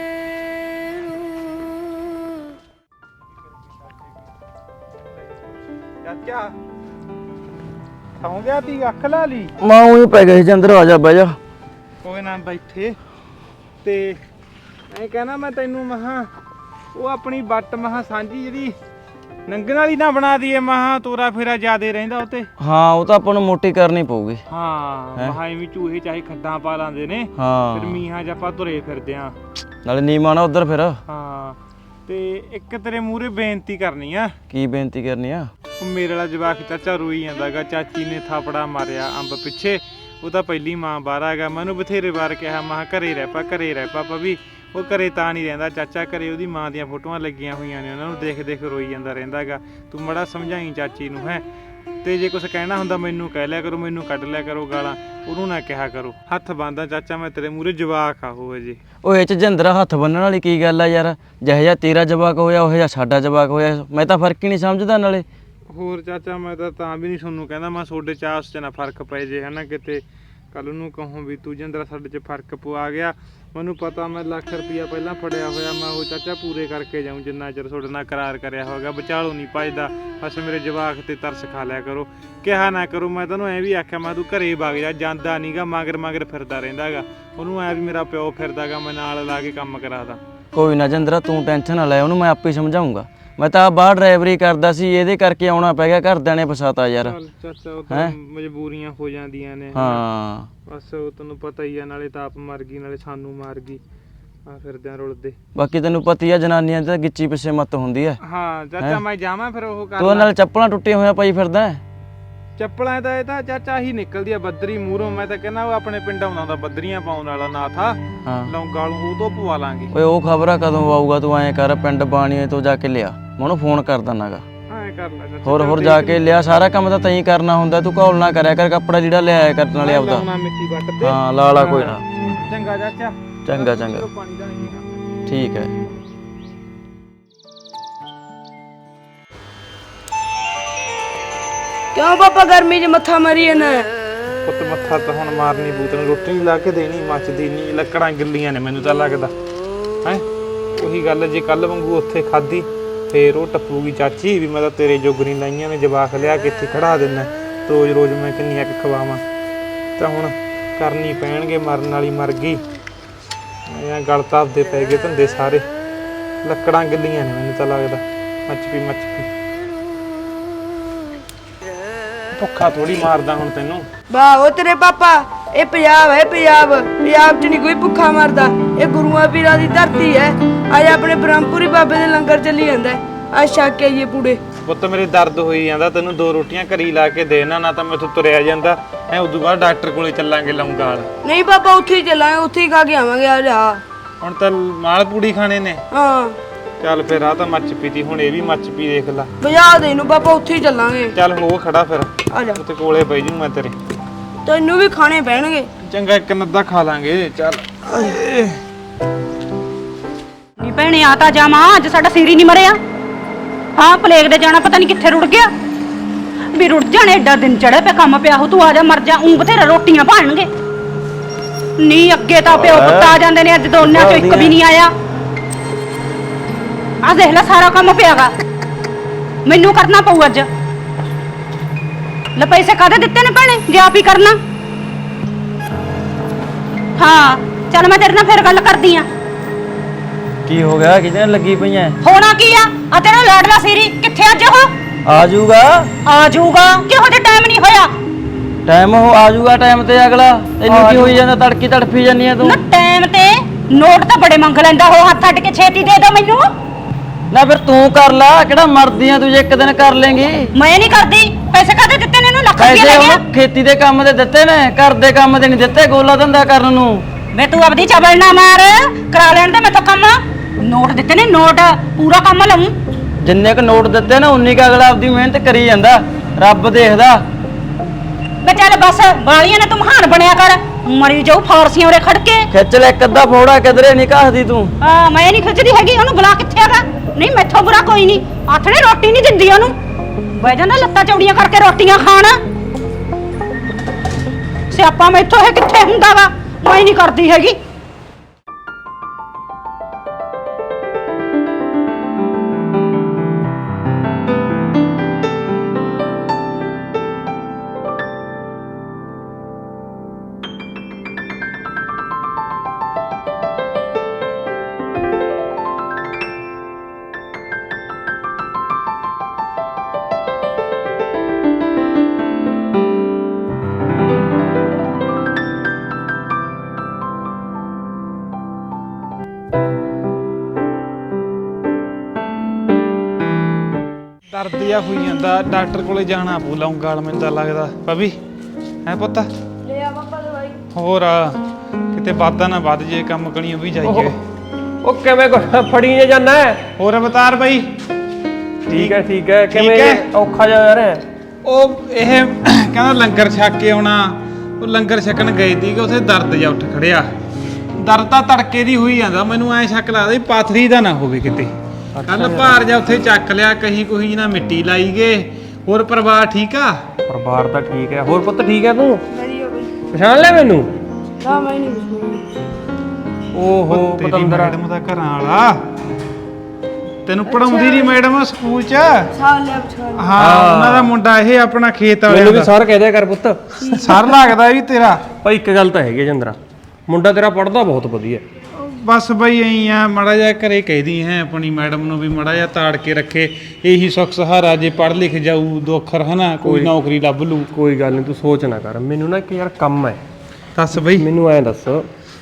Speaker 2: ਚਾਚਾ ਸੌਂ ਗਿਆ ਤੀ ਅੱਖ ਲਾ ਲਈ
Speaker 5: ਮੈਂ ਉਹੀ ਪੈ ਗਿਆ ਸੀ ਜੰਦਰ ਆ ਜਾ ਬਹਿ ਜਾ
Speaker 2: ਕੋਈ ਨਾ ਬੈਠੇ ਤੇ ਐ ਕਹਿਣਾ ਮੈਂ ਤੈਨੂੰ ਮਹਾ ਉਹ ਆਪਣੀ ਬੱਟ ਮਹਾ ਸਾਂਝੀ ਜਿਹੜੀ ਨੰਗਣ ਵਾਲੀ ਨਾ ਬਣਾ ਦਈਏ ਮਹਾ ਤੋਰਾ ਫੇਰਾ ਜਿਆਦੇ ਰਹਿੰਦਾ ਉਤੇ
Speaker 5: ਹਾਂ ਉਹ ਤਾਂ ਆਪਾਂ ਨੂੰ ਮੋਟੀ ਕਰਨੀ ਪਊਗੀ
Speaker 2: ਹਾਂ ਮਹਾ ਐਵੇਂ ਚੂਹੇ ਚਾਹੇ ਖੱਡਾਂ ਪਾ ਲਾਂਦੇ ਨੇ
Speaker 5: ਹਾਂ
Speaker 2: ਫਿਰ ਮੀਹਾਂ ਚ ਆਪਾਂ ਤੁਰੇ ਫਿਰਦੇ ਆਂ
Speaker 5: ਨਾਲੇ ਨੀਮਾ ਨਾ ਉਧਰ ਫਿਰ
Speaker 2: ਹਾਂ ਤੇ ਇੱਕ ਤੇਰੇ ਮੂਹਰੇ ਬੇਨਤੀ ਕਰਨੀ ਆ
Speaker 5: ਕੀ ਬੇਨਤੀ ਕਰਨੀ ਆ
Speaker 2: ਉਹ ਮੇਰੇ ਵਾਲਾ ਜਵਾਕ ਚਾਚਾ ਰੋਈ ਜਾਂਦਾਗਾ ਚਾਚੀ ਨੇ ਥਾਪੜਾ ਮਾਰਿਆ ਅੰਬ ਪਿੱਛੇ ਉਹ ਤਾਂ ਪਹਿਲੀ ਮਾਂ ਬਾਹਰ ਆ ਗਿਆ ਮੈਨੂੰ ਬਥੇਰੇ ਵਾਰ ਕਿਹਾ ਮਾਂ ਘਰੇ ਰਹਿ ਪਾ ਘਰੇ ਰਹਿ ਪਾ ਵੀ ਉਹ ਘਰੇ ਤਾਂ ਨਹੀਂ ਰਹਿੰਦਾ ਚਾਚਾ ਘਰੇ ਉਹਦੀ ਮਾਂ ਦੀਆਂ ਫੋਟੋਆਂ ਲੱਗੀਆਂ ਹੋਈਆਂ ਨੇ ਉਹਨਾਂ ਨੂੰ ਦੇਖ ਦੇਖ ਰੋਈ ਜਾਂਦਾ ਰਹਿੰਦਾਗਾ ਤੂੰ ਮੜਾ ਸਮਝਾਈ ਚਾਚੀ ਨੂੰ ਹੈ ਤੇ ਜੇ ਕੁਝ ਕਹਿਣਾ ਹੁੰਦਾ ਮੈਨੂੰ ਕਹਿ ਲਿਆ ਕਰੋ ਮੈਨੂੰ ਕੱਢ ਲਿਆ ਕਰੋ ਗਾਲਾਂ ਉਹਨੂੰ ਨਾ ਕਿਹਾ ਕਰੋ ਹੱਥ ਬੰਨਦਾ ਚਾਚਾ ਮੈਂ ਤੇਰੇ ਮੂਹਰੇ ਜਵਾਕ ਆ ਹੋਵੇ ਜੀ
Speaker 5: ਉਹ ਇਹ ਚ ਜਿੰਦਰਾ ਹੱਥ ਬੰਨਣ ਵਾਲੀ ਕੀ ਗੱਲ ਆ ਯਾਰ ਜਿਹੋ ਜਿਹਾ ਤੇਰਾ ਜਵਾਕ ਹੋਇਆ ਉਹ ਜਿਹਾ ਸਾਡਾ ਜਵਾਕ ਹੋਇਆ ਮੈਂ ਤਾਂ ਫਰਕ ਹੀ ਨਹੀਂ ਸਮਝਦਾ ਨਾਲੇ
Speaker 2: ਹੋਰ ਚਾਚਾ ਮੈਂ ਤਾਂ ਤਾਂ ਵੀ ਨਹੀਂ ਤੁਹਾਨੂੰ ਕਹਿੰਦਾ ਮੈਂ ਤੁਹਾਡੇ ਚ ਆਪਸ ਚ ਨਾ ਫਰਕ ਪੈ ਜੇ ਹਨਾ ਕਿਤੇ ਕੱਲ ਨੂੰ ਕਹੂੰ ਵੀ ਤੂੰ ਜਿੰਦਰਾ ਸਾਡੇ ਚ ਫਰਕ ਪਵਾ ਗਿਆ ਮੈਨੂੰ ਪਤਾ ਮੈਂ ਲੱਖ ਰੁਪਈਆ ਪਹਿਲਾਂ ਫੜਿਆ ਹੋਇਆ ਮੈਂ ਉਹ ਚਾਚਾ ਪੂਰੇ ਕਰਕੇ ਜਾਊਂ ਜਿੰਨਾ ਚਿਰ ਤੁਹਾਡੇ ਨਾਲ ਕਰਾਰ ਕਰਿਆ ਹੋਗਾ ਵਿਚਾਲੋ ਨਹੀਂ ਭੱਜਦਾ ਬਸ ਮੇਰੇ ਜਵਾਕ ਤੇ ਤਰਸ ਖਾ ਲਿਆ ਕਰੋ ਕਿਹਾ ਨਾ ਕਰੋ ਮੈਂ ਤੈਨੂੰ ਐਂ ਵੀ ਆਖਿਆ ਮੈਂ ਤੂੰ ਘਰੇ ਵਗ ਜਾ ਜਾਂਦਾ ਨਹੀਂਗਾ ਮਗਰ ਮਗਰ ਫਿਰਦਾ ਰਹਿੰਦਾਗਾ ਉਹਨੂੰ ਐ ਵੀ ਮੇਰਾ ਪਿਓ ਫਿਰਦਾਗਾ ਮੈਂ ਨਾਲ ਲਾ ਕੇ ਕੰਮ ਕਰਾਦਾ
Speaker 5: ਕੋਈ ਨਾ ਜਿੰਦਰਾ ਤੂੰ ਟੈਨਸ਼ਨ ਨਾ ਲੈ ਉਹਨੂੰ ਮੈਂ ਆਪੇ ਸਮਝਾਉਂਗਾ ਮੈਂ ਤਾਂ ਬਾਹਰ ਡਰਾਈਵਰੀ ਕਰਦਾ ਸੀ ਇਹਦੇ ਕਰਕੇ ਆਉਣਾ ਪੈ ਗਿਆ ਘਰਦਿਆਂ ਨੇ ਫਸਾਤਾ ਯਾਰ
Speaker 2: ਚਾਚਾ ਉਹ ਤਾਂ ਮਜਬੂਰੀਆਂ ਹੋ ਜਾਂਦੀਆਂ ਨੇ
Speaker 5: ਹਾਂ
Speaker 2: ਬਸ ਉਹ ਤੈਨੂੰ ਪਤਾ ਹੀ ਆ ਨਾਲੇ ਤਾਂ ਆਪ ਮਰ ਗਈ ਨਾਲੇ ਸਾਨੂੰ ਮਾਰ ਗਈ ਆ ਫਿਰਦਿਆਂ ਰੁਲਦੇ
Speaker 5: ਬਾਕੀ ਤੈਨੂੰ ਪਤੀ ਆ ਜਨਾਨੀਆਂ ਤਾਂ ਗਿੱਚੀ ਪਿੱਛੇ ਮੱਤ ਹੁੰਦੀ ਐ
Speaker 2: ਹਾਂ ਚਾਚਾ ਮੈਂ ਜਾਵਾਂ ਫਿਰ ਉਹ ਕਰ
Speaker 5: ਤੂੰ ਨਾਲ ਚੱਪਲਾਂ ਟੁੱਟੀਆਂ ਹੋਈਆਂ ਪਾਈ ਫਿਰਦਾ
Speaker 2: ਚੱਪਲਾਂ ਦਾ ਇਹ ਤਾਂ ਚਾਚਾ ਹੀ ਨਿਕਲਦੀ ਆ ਬੱਦਰੀ ਮੂਹਰੋਂ ਮੈਂ ਤਾਂ ਕਹਿੰਦਾ ਉਹ ਆਪਣੇ ਪਿੰਡ ਆਉਂਦਾ ਹੁੰਦਾ ਬੱਦਰੀਆਂ ਪਾਉਣ ਵਾਲਾ ਨਾ ਥਾ
Speaker 5: ਹਾਂ
Speaker 2: ਲੌਂਗਾ ਨੂੰ ਉਹ ਤੋਂ ਪਵਾ ਲਾਂਗੇ
Speaker 5: ਓਏ ਉਹ ਖਬਰਾਂ ਕਦੋਂ ਆਊਗਾ ਤੂੰ ਐਂ ਕਰ ਪਿੰਡ ਬਾਣੀਏ ਤੋਂ ਜਾ ਕੇ ਲਿਆ ਮੈਂ ਉਹਨੂੰ ਫੋਨ ਕਰ ਦਨਾਗਾ
Speaker 2: ਐਂ ਕਰ ਲੈ ਚਾਚਾ
Speaker 5: ਹੋਰ ਹੋਰ ਜਾ ਕੇ ਲਿਆ ਸਾਰਾ ਕੰਮ ਤਾਂ ਤੈਂ ਕਰਨਾ ਹੁੰਦਾ ਤੂੰ ਘੌਲ ਨਾ ਕਰਿਆ ਕਰ ਕੱਪੜਾ ਜਿਹੜਾ ਲਿਆਇਆ ਕਰ ਨਾਲੇ ਆਪਦਾ
Speaker 2: ਲਾਉਣਾ ਮਿੱਟੀ ਵੱਟ ਤੇ
Speaker 5: ਹਾਂ ਲਾ ਲਾ ਕੋਈ ਨਾ
Speaker 2: ਚੰਗਾ ਚਾਚਾ
Speaker 5: ਚੰਗਾ ਚੰਗਾ
Speaker 2: ਪਾਣੀ ਦਾ ਨਹੀਂ
Speaker 5: ਠੀਕ ਹੈ
Speaker 3: ਕਿਉਂ ਪਾਪਾ ਗਰਮੀ 'ਚ ਮੱਥਾ ਮਾਰੀ ਜਾਂਦਾ
Speaker 2: ਪੁੱਤ ਮੱਥਾ ਤਾਂ ਹੁਣ ਮਾਰਨੀ ਬੂਤ ਨੂੰ ਰੋਟੀ ਲਾ ਕੇ ਦੇਣੀ ਮੱਚਦੀ ਨਹੀਂ ਲੱਕੜਾਂ ਗਿੱਲੀਆਂ ਨੇ ਮੈਨੂੰ ਤਾਂ ਲੱਗਦਾ ਹੈ ਉਹੀ ਗੱਲ ਜੇ ਕੱਲ ਵਾਂਗੂ ਉੱਥੇ ਖਾਧੀ ਫੇਰ ਉਹ ਟੱਪੂਗੀ ਚਾਚੀ ਵੀ ਮੈਂ ਤਾਂ ਤੇਰੇ ਜੋਗਰੀ ਲਾਈਆਂ ਨੇ ਜਵਾਕ ਲਿਆ ਕੇ ਇੱਥੇ ਖੜਾ ਦੇਣਾ ਰੋਜ਼ ਰੋਜ਼ ਮੈਂ ਕਿੰਨੀਆਂ ਕੁ ਖਵਾਵਾਂ ਤਾਂ ਹੁਣ ਕਰਨੀ ਪੈਣਗੇ ਮਰਨ ਵਾਲੀ ਮਰ ਗਈ ਐਂ ਗਲ ਤਾਪਦੇ ਪੈ ਗਏ ਧੰਦੇ ਸਾਰੇ ਲੱਕੜਾਂ ਗਿੱਲੀਆਂ ਨੇ ਮੈਨੂੰ ਤਾਂ ਲੱਗਦਾ ਮੱਚ ਪੀ ਮੱਚ ਪੀ ਭੁੱਖਾ ਥੋੜੀ ਮਾਰਦਾ ਹੁਣ ਤੈਨੂੰ
Speaker 3: ਵਾਹ ਉਹ ਤੇਰੇ ਪਾਪਾ ਇਹ ਪੰਜਾਬ ਹੈ ਪੰਜਾਬ ਪੰਜਾਬ 'ਚ ਨਹੀਂ ਕੋਈ ਭੁੱਖਾ ਮਰਦਾ ਇਹ ਗੁਰੂਆਂ ਪੀਰਾਂ ਦੀ ਧਰਤੀ ਹੈ ਅੱਜ ਆਪਣੇ ਬ੍ਰਹਮਪੁਰੀ ਬਾਬੇ ਦੇ ਲੰਗਰ ਚੱਲੀ ਜਾਂਦਾ ਆ ਛੱਕ ਕੇ ਆਈਏ ਪੂੜੇ
Speaker 2: ਪੁੱਤ ਮੇਰੇ ਦਰਦ ਹੋਈ ਜਾਂਦਾ ਤੈਨੂੰ ਦੋ ਰੋਟੀਆਂ ਘਰੀ ਲਾ ਕੇ ਦੇਣਾ ਨਾ ਤਾਂ ਮੈਥੋਂ ਤੁਰਿਆ ਜਾਂਦਾ ਐ ਉਦੋਂ ਬਾਅਦ ਡਾਕਟਰ ਕੋਲੇ ਚੱਲਾਂਗੇ ਲੌਂਗਾ ਵਾਲ
Speaker 3: ਨਹੀਂ ਪਾਪਾ ਉੱਥੇ ਹੀ ਚੱਲਾਂਗੇ ਉੱਥੇ ਹੀ ਖਾ ਕੇ ਆਵਾਂਗੇ ਆ ਜਾ
Speaker 2: ਹੁਣ ਤਾਂ ਮਾਲ ਪੂੜੀ ਖਾਣੇ ਨੇ
Speaker 3: ਹਾਂ
Speaker 2: ਚੱਲ ਫਿਰ ਆ ਤਾਂ ਮੱਚ ਪੀਤੀ ਹੁਣ ਇਹ ਵੀ ਮੱਚ ਪੀ ਦੇਖ ਲਾ
Speaker 3: ਬਜਾ ਦੇ ਇਹਨੂੰ ਪਾਪਾ ਉੱਥੇ ਹੀ ਚੱਲਾਂਗੇ
Speaker 2: ਚੱਲ ਹੋ ਖੜਾ ਫਿਰ
Speaker 3: ਆ ਜਾ
Speaker 2: ਉੱਤੇ ਕੋਲੇ ਬਈ ਜੂ ਮੈਂ ਤੇਰੇ
Speaker 3: ਤੈਨੂੰ ਵੀ ਖਾਣੇ ਪੈਣਗੇ
Speaker 2: ਚੰਗਾ ਇੱਕ ਨੱਦਾ ਖਾ ਲਾਂਗੇ ਚੱਲ
Speaker 1: ਨੀ ਭੈਣੇ ਆ ਤਾਂ ਜਾਵਾਂ ਅੱਜ ਸਾਡਾ ਸਿਰ ਹੀ ਨਹੀਂ ਮਰਿਆ ਹਾਂ ਪਲੇਗ ਦੇ ਜਾਣਾ ਪਤਾ ਨਹੀਂ ਕਿੱਥੇ ਰੁੜ ਗਿਆ ਵੀ ਰੁੜ ਜਾਣੇ ਏਡਾ ਦਿਨ ਚੜਿਆ ਪਿਆ ਕੰਮ ਪਿਆ ਹੋ ਤੂੰ ਆ ਜਾ ਮਰ ਜਾ ਉਂ ਬਥੇਰਾ ਰੋਟੀਆਂ ਭਾਣਗੇ ਨੀ ਅੱਗੇ ਤਾਂ ਪਿਓ ਪੁੱਤ ਆ ਜਾਂਦੇ ਨੇ ਅੱਜ ਦੋਨਾਂ ਚੋਂ ਇੱਕ ਵੀ ਨਹੀਂ ਆਇਆ ਆ ਦੇਖ ਲੈ ਸਾਰਾ ਕੰਮ ਪਿਆਗਾ ਮੈਨੂੰ ਕਰਨਾ ਪਊ ਅੱਜ ਲੈ ਪੈਸੇ ਕਾਹਦੇ ਦਿੱਤੇ ਨੇ ਭੈਣੇ ਜੇ ਆਪ ਹੀ ਕਰਨਾ ਹਾਂ ਚੱਲ ਮੈਂ ਤੇਰੇ ਨਾਲ ਫਿਰ ਗੱਲ ਕਰਦੀ ਆ
Speaker 5: ਕੀ ਹੋ ਗਿਆ ਕਿਹਦੇ ਨਾਲ ਲੱਗੀ ਪਈਆਂ
Speaker 1: ਹੋਣਾ ਕੀ ਆ ਆ ਤੇਰਾ ਲਾਡਲਾ ਸੀਰੀ ਕਿੱਥੇ ਅੱਜ ਉਹ
Speaker 5: ਆ ਜਾਊਗਾ
Speaker 1: ਆ ਜਾਊਗਾ ਕਿਹੋ ਜਿਹਾ ਟਾਈਮ ਨਹੀਂ ਹੋਇਆ
Speaker 5: ਟਾਈਮ ਉਹ ਆ ਜਾਊਗਾ ਟਾਈਮ ਤੇ ਅਗਲਾ ਤੈਨੂੰ ਕੀ ਹੋਈ ਜਾਂਦਾ ਤੜਕੀ ਤੜਫੀ ਜਾਂਦੀ ਆ ਤੂੰ
Speaker 1: ਨਾ ਟਾਈਮ ਤੇ ਨੋਟ ਤਾਂ ਬੜੇ ਮੰਗ ਲੈਂਦਾ ਉਹ ਹੱਥ ਅੱਡ ਕੇ ਛੇਤੀ ਦੇ ਦੋ ਮੈਨੂੰ
Speaker 5: ਨਾ ਫਿਰ ਤੂੰ ਕਰ ਲਾ ਕਿਹੜਾ ਮਰਦੀ ਆ ਤੂੰ ਜੇ ਇੱਕ ਦਿਨ ਕਰ ਲੇਂਗੀ
Speaker 1: ਮੈਂ ਨਹੀਂ ਕਰਦੀ ਪੈਸੇ ਕਾਹਦੇ ਦਿੱਤੇ ਨੇ ਇਹਨੂੰ ਲੱਖ ਰੁਪਏ
Speaker 5: ਪੈਸੇ
Speaker 1: ਲੈ ਗਿਆ
Speaker 5: ਉਹਨੂੰ ਖੇਤੀ ਦੇ ਕੰਮ ਦੇ ਦਿੱਤੇ ਨੇ ਘਰ ਦੇ ਕੰਮ ਦੇ ਨਹੀਂ ਦਿੱਤੇ ਗੋਲਾ ਧੰਦਾ ਕਰਨ ਨੂੰ
Speaker 1: ਵੇ ਤੂੰ ਆਪਦੀ ਚਬਲ ਨਾ ਮਾਰ ਕਰਾ ਲੈਣ ਦੇ ਮੈਥੋਂ ਕੰਮ ਨੋਟ ਦਿੱਤੇ ਨੇ ਨੋਟ ਪੂਰਾ ਕੰਮ ਲਊਂ
Speaker 5: ਜਿੰਨੇ ਕ ਨੋਟ ਦਿੱਤੇ ਨਾ ਉਨੀ ਕ ਅਗਲਾ ਆਪਦੀ ਮਿਹਨਤ ਕਰੀ ਜਾਂਦਾ ਰੱਬ ਦੇਖਦਾ
Speaker 1: ਵੇ ਚੱਲ ਬਸ ਬਾਲੀਆਂ ਨੇ ਤੂੰ ਮਹਾਨ ਬਣਿਆ ਕਰ ਮਰੀ ਜਾਊ ਫਾਰਸੀਆਂ ਉਰੇ ਖੜ ਕੇ
Speaker 5: ਖਿੱਚ ਲੈ ਇੱਕ ਅੱਧਾ ਫੋੜਾ ਕਿਧਰੇ ਨਹੀਂ ਘਸਦੀ ਤੂੰ
Speaker 1: ਆ ਮੈਂ ਨਹੀਂ ਖਿੱਚਦੀ ਹੈਗੀ ਉਹਨੂੰ ਬੁਲਾ ਕਿੱਥੇ ਹੈਗਾ ਨਹੀਂ ਮੈਥੋਂ ਬੁਰਾ ਕੋਈ ਨਹੀਂ ਆਥਣੇ ਰੋਟੀ ਨਹੀਂ ਦਿੰਦੀ ਉਹਨੂੰ ਬਹਿ ਜਾਂਦਾ ਲੱਤਾਂ ਚੌੜੀਆਂ ਕਰਕੇ ਰੋਟੀਆਂ ਖਾਣ ਸਿਆਪਾ ਮੈਥੋਂ ਇਹ ਕਿੱਥੇ ਹੁੰਦਾ ਵਾ ਮੈਂ ਨਹੀਂ ਕਰਦੀ ਹੈਗੀ
Speaker 2: ਦਰਦ ਜਿਹਾ ਹੋਈ ਜਾਂਦਾ, ਡਾਕਟਰ ਕੋਲੇ ਜਾਣਾ ਪਊ ਲੌਂਗਾਲ ਮੈਨੂੰ ਤਾਂ ਲੱਗਦਾ। ਪਵੀ ਹੈ ਪੁੱਤ,
Speaker 3: ਲੈ ਆ ਪਾਪਾ ਦਵਾਈ।
Speaker 2: ਹੋਰ ਆ, ਕਿਤੇ ਵਾਧਾ ਨਾ ਵੱਧ ਜੇ, ਕੰਮ ਕਣੀ ਵੀ ਜਾਈਏ।
Speaker 6: ਉਹ ਕਿਵੇਂ ਕੋ- ਫੜੀ ਜੇ ਜਾਣਾ ਹੈ?
Speaker 2: ਹੋਰ ਅਵਤਾਰ ਬਾਈ?
Speaker 6: ਠੀਕ ਹੈ ਠੀਕ ਹੈ।
Speaker 2: ਠੀਕ
Speaker 6: ਕਿਵੇਂ
Speaker 2: ਹੈ।
Speaker 6: ਔਖਾ ਜਾ ਯਾਰ ਹੈ?
Speaker 2: ਉਹ ਇਹ ਕਹਿੰਦਾ ਲੰਗਰ ਛਕ ਕੇ ਆਉਣਾ, ਉਹ ਲੰਗਰ ਛਕਣ ਗਏ ਸੀ ਕਿ ਉੱਥੇ ਦਰਦ ਜਾ ਉੱਠ ਖੜਿਆ। ਦਰਦ ਤਾਂ ਤੜਕੇ ਦੀ ਹੋਈ ਜਾਂਦਾ, ਮੈਨੂੰ ਐ ਸ਼ੱਕ ਲੱਗਦਾ ਵੀ ਪਾਥਰੀ ਦਾ ਨਾ ਹੋਵੇ ਕਿਤੇ। ਕੱਲ ਭਾਰ ਜਾ ਉੱਥੇ ਚੱਕ ਲਿਆ, ਕਹੀ ਕੋਈ ਨਾ ਮਿੱਟੀ ਲਾਈ ਗਏ। ਹੋਰ ਪਰਿਵਾਰ ਠੀਕ ਆ?
Speaker 6: ਪਰਿਵਾਰ ਤਾਂ ਠੀਕ ਹੈ। ਹੋਰ ਪੁੱਤ ਠੀਕ ਹੈ ਤੂੰ?
Speaker 3: ਵਧੀਆ ਬਈ।
Speaker 6: ਪਛਾਣ ਲਿਆ ਮੈਨੂੰ?
Speaker 3: ਨਾ ਮੈਂ ਨਹੀਂ ਪੁੱਛਣਾ।
Speaker 6: ਓਹੋ
Speaker 2: ਤੇਰੀ
Speaker 6: ਪਤੰਦਰਾ।
Speaker 2: ਮੈਡਮ ਦਾ ਘਰਾਂ ਵਾਲਾ ਤੈਨੂੰ ਪੜਾਉਂਦੀ ਨਹੀਂ ਮੈਡਮ ਸਕੂਲ ਚ?
Speaker 3: ਸਾਲ ਲਿਆ ਪਛਾਣ।
Speaker 2: ਹਾਂ, ਉਹਨਾਂ ਦਾ ਮੁੰਡਾ ਇਹ ਆਪਣਾ ਖੇਤ
Speaker 6: ਮੈਨੂੰ
Speaker 2: ਵਾਲਿਆਂ
Speaker 6: ਵੀ
Speaker 2: ਦਾ।
Speaker 6: ਸਰ ਕਹਿ ਦਿਆ ਕਰ ਪੁੱਤ।
Speaker 2: ਸਰ ਲੱਗਦਾ ਵੀ ਤੇਰਾ।
Speaker 6: ਭਾਈ ਇੱਕ ਗੱਲ ਤਾਂ ਹੈਗੀ ਜਿੰਦਰਾ, ਮੁੰਡਾ ਤੇਰਾ ਪੜਦਾ ਬਹੁਤ ਵਧੀਆ।
Speaker 2: ਬਸ ਬਈ ਐਂ ਆ, ਮੜਾ ਜਾ ਘਰੇ ਕਹਿਦੀ ਹੈ ਆਪਣੀ ਮੈਡਮ ਨੂੰ ਵੀ ਮੜਾ ਜਾ ਤਾੜ ਕੇ ਰੱਖੇ, ਇਹੀ ਸੁੱਖ ਸਹਾਰਾ। ਜੇ ਪੜ੍ਹ ਲਿਖ ਜਾਊ ਦੋ ਅੱਖਰ ਹਨਾ, ਕੋਈ ਨੌਕਰੀ ਲੱਭ ਲੂ।
Speaker 6: ਕੋਈ ਗੱਲ ਨਹੀਂ, ਤੂੰ ਸੋਚ ਨਾ ਕਰ। ਮੈਨੂੰ ਨਾ ਇੱਕ ਯਾਰ ਕੰਮ ਹੈ।
Speaker 2: ਦੱਸ ਬਈ।
Speaker 6: ਮੈਨੂੰ ਐਂ ਦੱਸ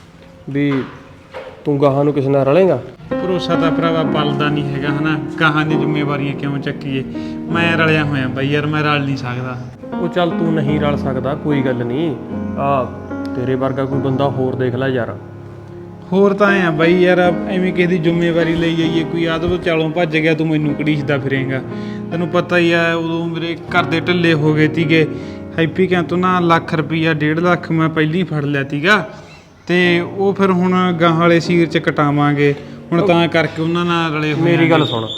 Speaker 6: ਵੀ ਤੂੰ ਗਾਹਾਂ ਨੂੰ ਕਿਸੇ ਨਾਲ ਰਲੇਗਾ?
Speaker 2: ਭਰੋਸਾ ਤਾਂ ਭਰਾਵਾ ਪਲਦਾ ਨਹੀਂ ਹੈਗਾ ਹਨਾ, ਗਾਹਾਂ ਦੀ ਜ਼ਿੰਮੇਵਾਰੀਆਂ ਕਿਉਂ ਚੱਕੀਏ। ਮੈਂ ਰਲਿਆ ਹੋਇਆ ਬਈ ਯਾਰ, ਮੈਂ ਰਲ ਨਹੀਂ ਸਕਦਾ।
Speaker 6: ਉਹ ਚੱਲ ਤੂੰ ਨਹੀਂ ਰਲ ਸਕਦਾ, ਕੋਈ ਗੱਲ ਨਹੀਂ। ਆ ਤੇਰੇ ਵਰਗਾ ਕੋਈ ਬੰਦਾ ਹੋਰ ਦੇਖ ਲੈ ਯਾਰ।
Speaker 2: ਹੋਰ ਤਾਂ ਐ ਆ ਬਈ ਯਾਰ, ਐਵੇਂ ਕਿਸੇ ਦੀ ਜ਼ਿੰਮੇਵਾਰੀ ਲਈ ਜਾਈਏ, ਕੋਈ ਆਦਤ ਚਾਲੋਂ ਭੱਜ ਗਿਆ ਤੂੰ ਮੈਨੂੰ ਕੜੀਸਦਾ ਫਿਰੇਂਗਾ। ਤੈਨੂੰ ਪਤਾ ਹੀ ਆ, ਉਦੋਂ ਮੇਰੇ ਘਰ ਦੇ ਢਿੱਲੇ ਹੋ ਗਏ ਤੀਗੇ। ਹੈਪੀ ਕਹਿੰ ਤੋਂ ਨਾ ਲੱਖ ਰੁਪਈਆ ਡੇਢ ਲੱਖ ਮੈਂ ਪਹਿਲਾਂ ਹੀ ਫੜ ਲਿਆ ਤੀਗਾ, ਤੇ ਉਹ ਫਿਰ ਹੁਣ ਗਾਂ ਵਾਲੇ ਸੀਰ ਚ ਕਟਾਵਾਂਗੇ ਹੁਣ, ਤਾਂ ਕਰਕੇ ਉਹਨਾਂ ਨਾਲ ਰਲੇ ਹੋਏ।
Speaker 6: ਮੇਰੀ ਗੱਲ ਸੁਣ,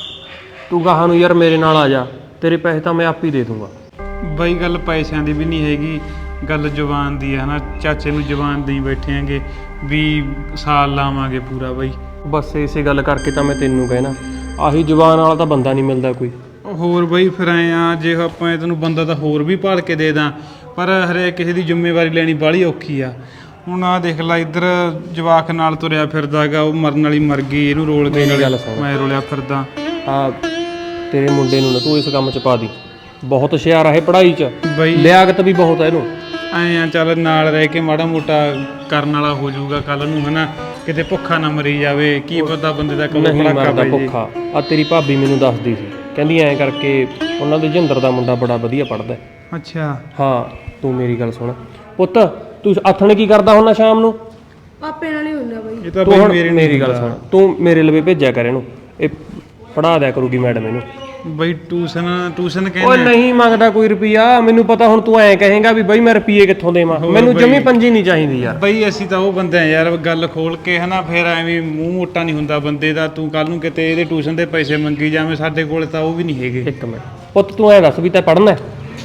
Speaker 6: ਤੂੰ ਗਾਹਾਂ ਨੂੰ ਯਾਰ ਮੇਰੇ ਨਾਲ ਆ ਜਾ, ਤੇਰੇ ਪੈਸੇ ਤਾਂ ਮੈਂ ਆਪ ਹੀ ਦੇ ਦੂੰਗਾ।
Speaker 2: ਬਈ ਗੱਲ ਪੈਸਿਆਂ ਦੀ ਵੀ ਨਹੀਂ ਹੈਗੀ, ਗੱਲ ਜ਼ੁਬਾਨ ਦੀ ਹੈ ਨਾ। ਚਾਚੇ ਨੂੰ ਜ਼ੁਬਾਨ ਦੇਈ ਬੈਠੇ ਆਂਗੇ ਵੀ ਸਾਲ ਲਾਵਾਂਗੇ ਪੂਰਾ ਬਈ।
Speaker 6: ਬਸ ਇਸੇ ਗੱਲ ਕਰਕੇ ਤਾਂ ਮੈਂ ਤੈਨੂੰ ਕਹਿਣਾ, ਆਹੀ ਜ਼ੁਬਾਨ ਵਾਲਾ ਤਾਂ ਬੰਦਾ ਨਹੀਂ ਮਿਲਦਾ ਕੋਈ।
Speaker 2: ਹੋਰ ਬਈ ਫਿਰ ਐ ਆ, ਜੇ ਆਪਾਂ ਤੈਨੂੰ ਬੰਦਾ ਤਾਂ ਹੋਰ ਵੀ ਭਾਲ ਕੇ ਦੇ ਦਾਂ, ਪਰ ਹਰੇਕ ਕਿਸੇ ਦੀ ਜ਼ਿੰਮੇਵਾਰੀ ਲੈਣੀ ਬਾਹਲੀ ਔਖੀ ਆ। ਹੁਣ ਆ ਦੇਖ ਲੈ, ਇੱਧਰ ਜਵਾਕ ਨਾਲ ਤੁਰਿਆ ਫਿਰਦਾ ਗਾ, ਉਹ ਮਰਨ ਵਾਲੀ ਮਰ ਗਈ, ਇਹਨੂੰ ਰੋਲ ਕੇ
Speaker 6: ਮੇਰੀ ਗੱਲ ਸੁਣ।
Speaker 2: ਮੈਂ ਰੋਲਿਆ ਫਿਰਦਾ।
Speaker 6: ਆ ਤੇਰੇ ਮੁੰਡੇ ਨੂੰ ਨਾ ਤੂੰ ਇਸ ਕੰਮ 'ਚ ਪਾ ਦੀ, ਬਹੁਤ ਹੁਸ਼ਿਆਰ ਆ ਇਹ ਪੜ੍ਹਾਈ 'ਚ,
Speaker 2: ਬਈ
Speaker 6: ਲਿਆਕਤ ਵੀ ਬਹੁਤ ਆ ਇਹਨੂੰ।
Speaker 2: ਐ ਆ ਚੱਲ ਨਾਲ ਰਹਿ ਕੇ ਮਾੜਾ ਮੋਟਾ ਕਰਨ ਵਾਲਾ ਹੋ ਜਾਊਗਾ ਕੱਲ ਨੂੰ ਹਨਾ, ਕਿਤੇ ਭੁੱਖਾ ਨਾ ਮਰੀ ਜਾਵੇ। ਕੀ ਪਤਾ ਬੰਦੇ ਦਾ ਕਦੋਂ
Speaker 6: ਨਹੀਂ
Speaker 2: ਭੜਾਕਾ
Speaker 6: ਮਰਦਾ
Speaker 2: ਪੈ ਜੇ।
Speaker 6: ਭੁੱਖਾ। ਆ ਤੇਰੀ ਭਾਬੀ ਮੈਨੂੰ ਦੱਸਦੀ ਸੀ, ਕਹਿੰਦੀ ਐਂ ਕਰਕੇ ਉਹਨਾਂ ਦੇ ਜਿੰਦਰ ਦਾ ਮੁੰਡਾ ਬੜਾ ਵਧੀਆ ਪੜ੍ਹਦਾ।
Speaker 2: ਅੱਛਾ
Speaker 6: ਹਾਂ ਤੂੰ ਮੇਰੀ ਗੱਲ ਸੁਣ ਪੁੱਤ, ਤੂੰ ਆਥਣੇ ਕੀ ਕਰਦਾ ਹੁੰਦਾ ਸ਼ਾਮ ਨੂੰ?
Speaker 3: ਪਾਪੇ ਨਾਲ ਹੀ ਹੁੰਦਾ ਬਈ।
Speaker 2: ਇਹ ਤਾਂ
Speaker 6: ਤੂੰ
Speaker 2: ਬਈ
Speaker 6: ਹੁਣ
Speaker 2: ਮੇਰੇ ਨਾਲ
Speaker 6: ਮੇਰੀ ਗੱਲ ਸੁਣ, ਤੂੰ ਮੇਰੇ ਲਵੇ ਭੇਜਿਆ ਕਰ ਇਹਨੂੰ, ਇਹ ਪੜ੍ਹਾ ਦਿਆ ਕਰੂਗੀ ਮੈਡਮ ਇਹਨੂੰ।
Speaker 2: ਬਈ ਟਿਊਸ਼ਨ ਟਿਊਸ਼ਨ
Speaker 6: ਓਏ
Speaker 2: ਕਹਿੰਦੇ
Speaker 6: ਨਹੀਂ ਮੰਗਦਾ ਕੋਈ ਰੁਪਿਆ, ਮੈਨੂੰ ਪਤਾ। ਹੁਣ ਤੂੰ ਐਂ ਕਹੇਗਾ ਵੀ ਬਈ ਮੈਂ ਰੁਪਈਏ ਕਿੱਥੋਂ ਦੇਵਾਂ, ਮੈਨੂੰ ਜਮੀ ਪੰਜੀ ਨਹੀਂ ਚਾਹੀਦੀ ਯਾਰ।
Speaker 2: ਬਈ ਅਸੀਂ ਤਾਂ ਉਹ ਬੰਦੇ ਆ ਯਾਰ, ਗੱਲ ਖੋਲ ਕੇ ਹਨਾ, ਫਿਰ ਐਵੇਂ ਮੂੰਹ ਮੋਟਾ ਨਹੀਂ ਹੁੰਦਾ ਬੰਦੇ ਦਾ। ਤੂੰ ਕੱਲ ਨੂੰ ਕਿਤੇ ਇਹਦੇ ਟਿਊਸ਼ਨ ਦੇ ਪੈਸੇ ਮੰਗੀ ਜਾਵੇਂ, ਸਾਡੇ ਕੋਲ ਤਾਂ ਉਹ ਵੀ ਨਹੀਂ ਹੈਗੇ।
Speaker 6: ਇੱਕ ਮਿੰਟ ਪੁੱਤ, ਤੂੰ ਐਂ ਦੱਸ ਵੀ ਤੈਂ ਪੜ੍ਹਨਾ?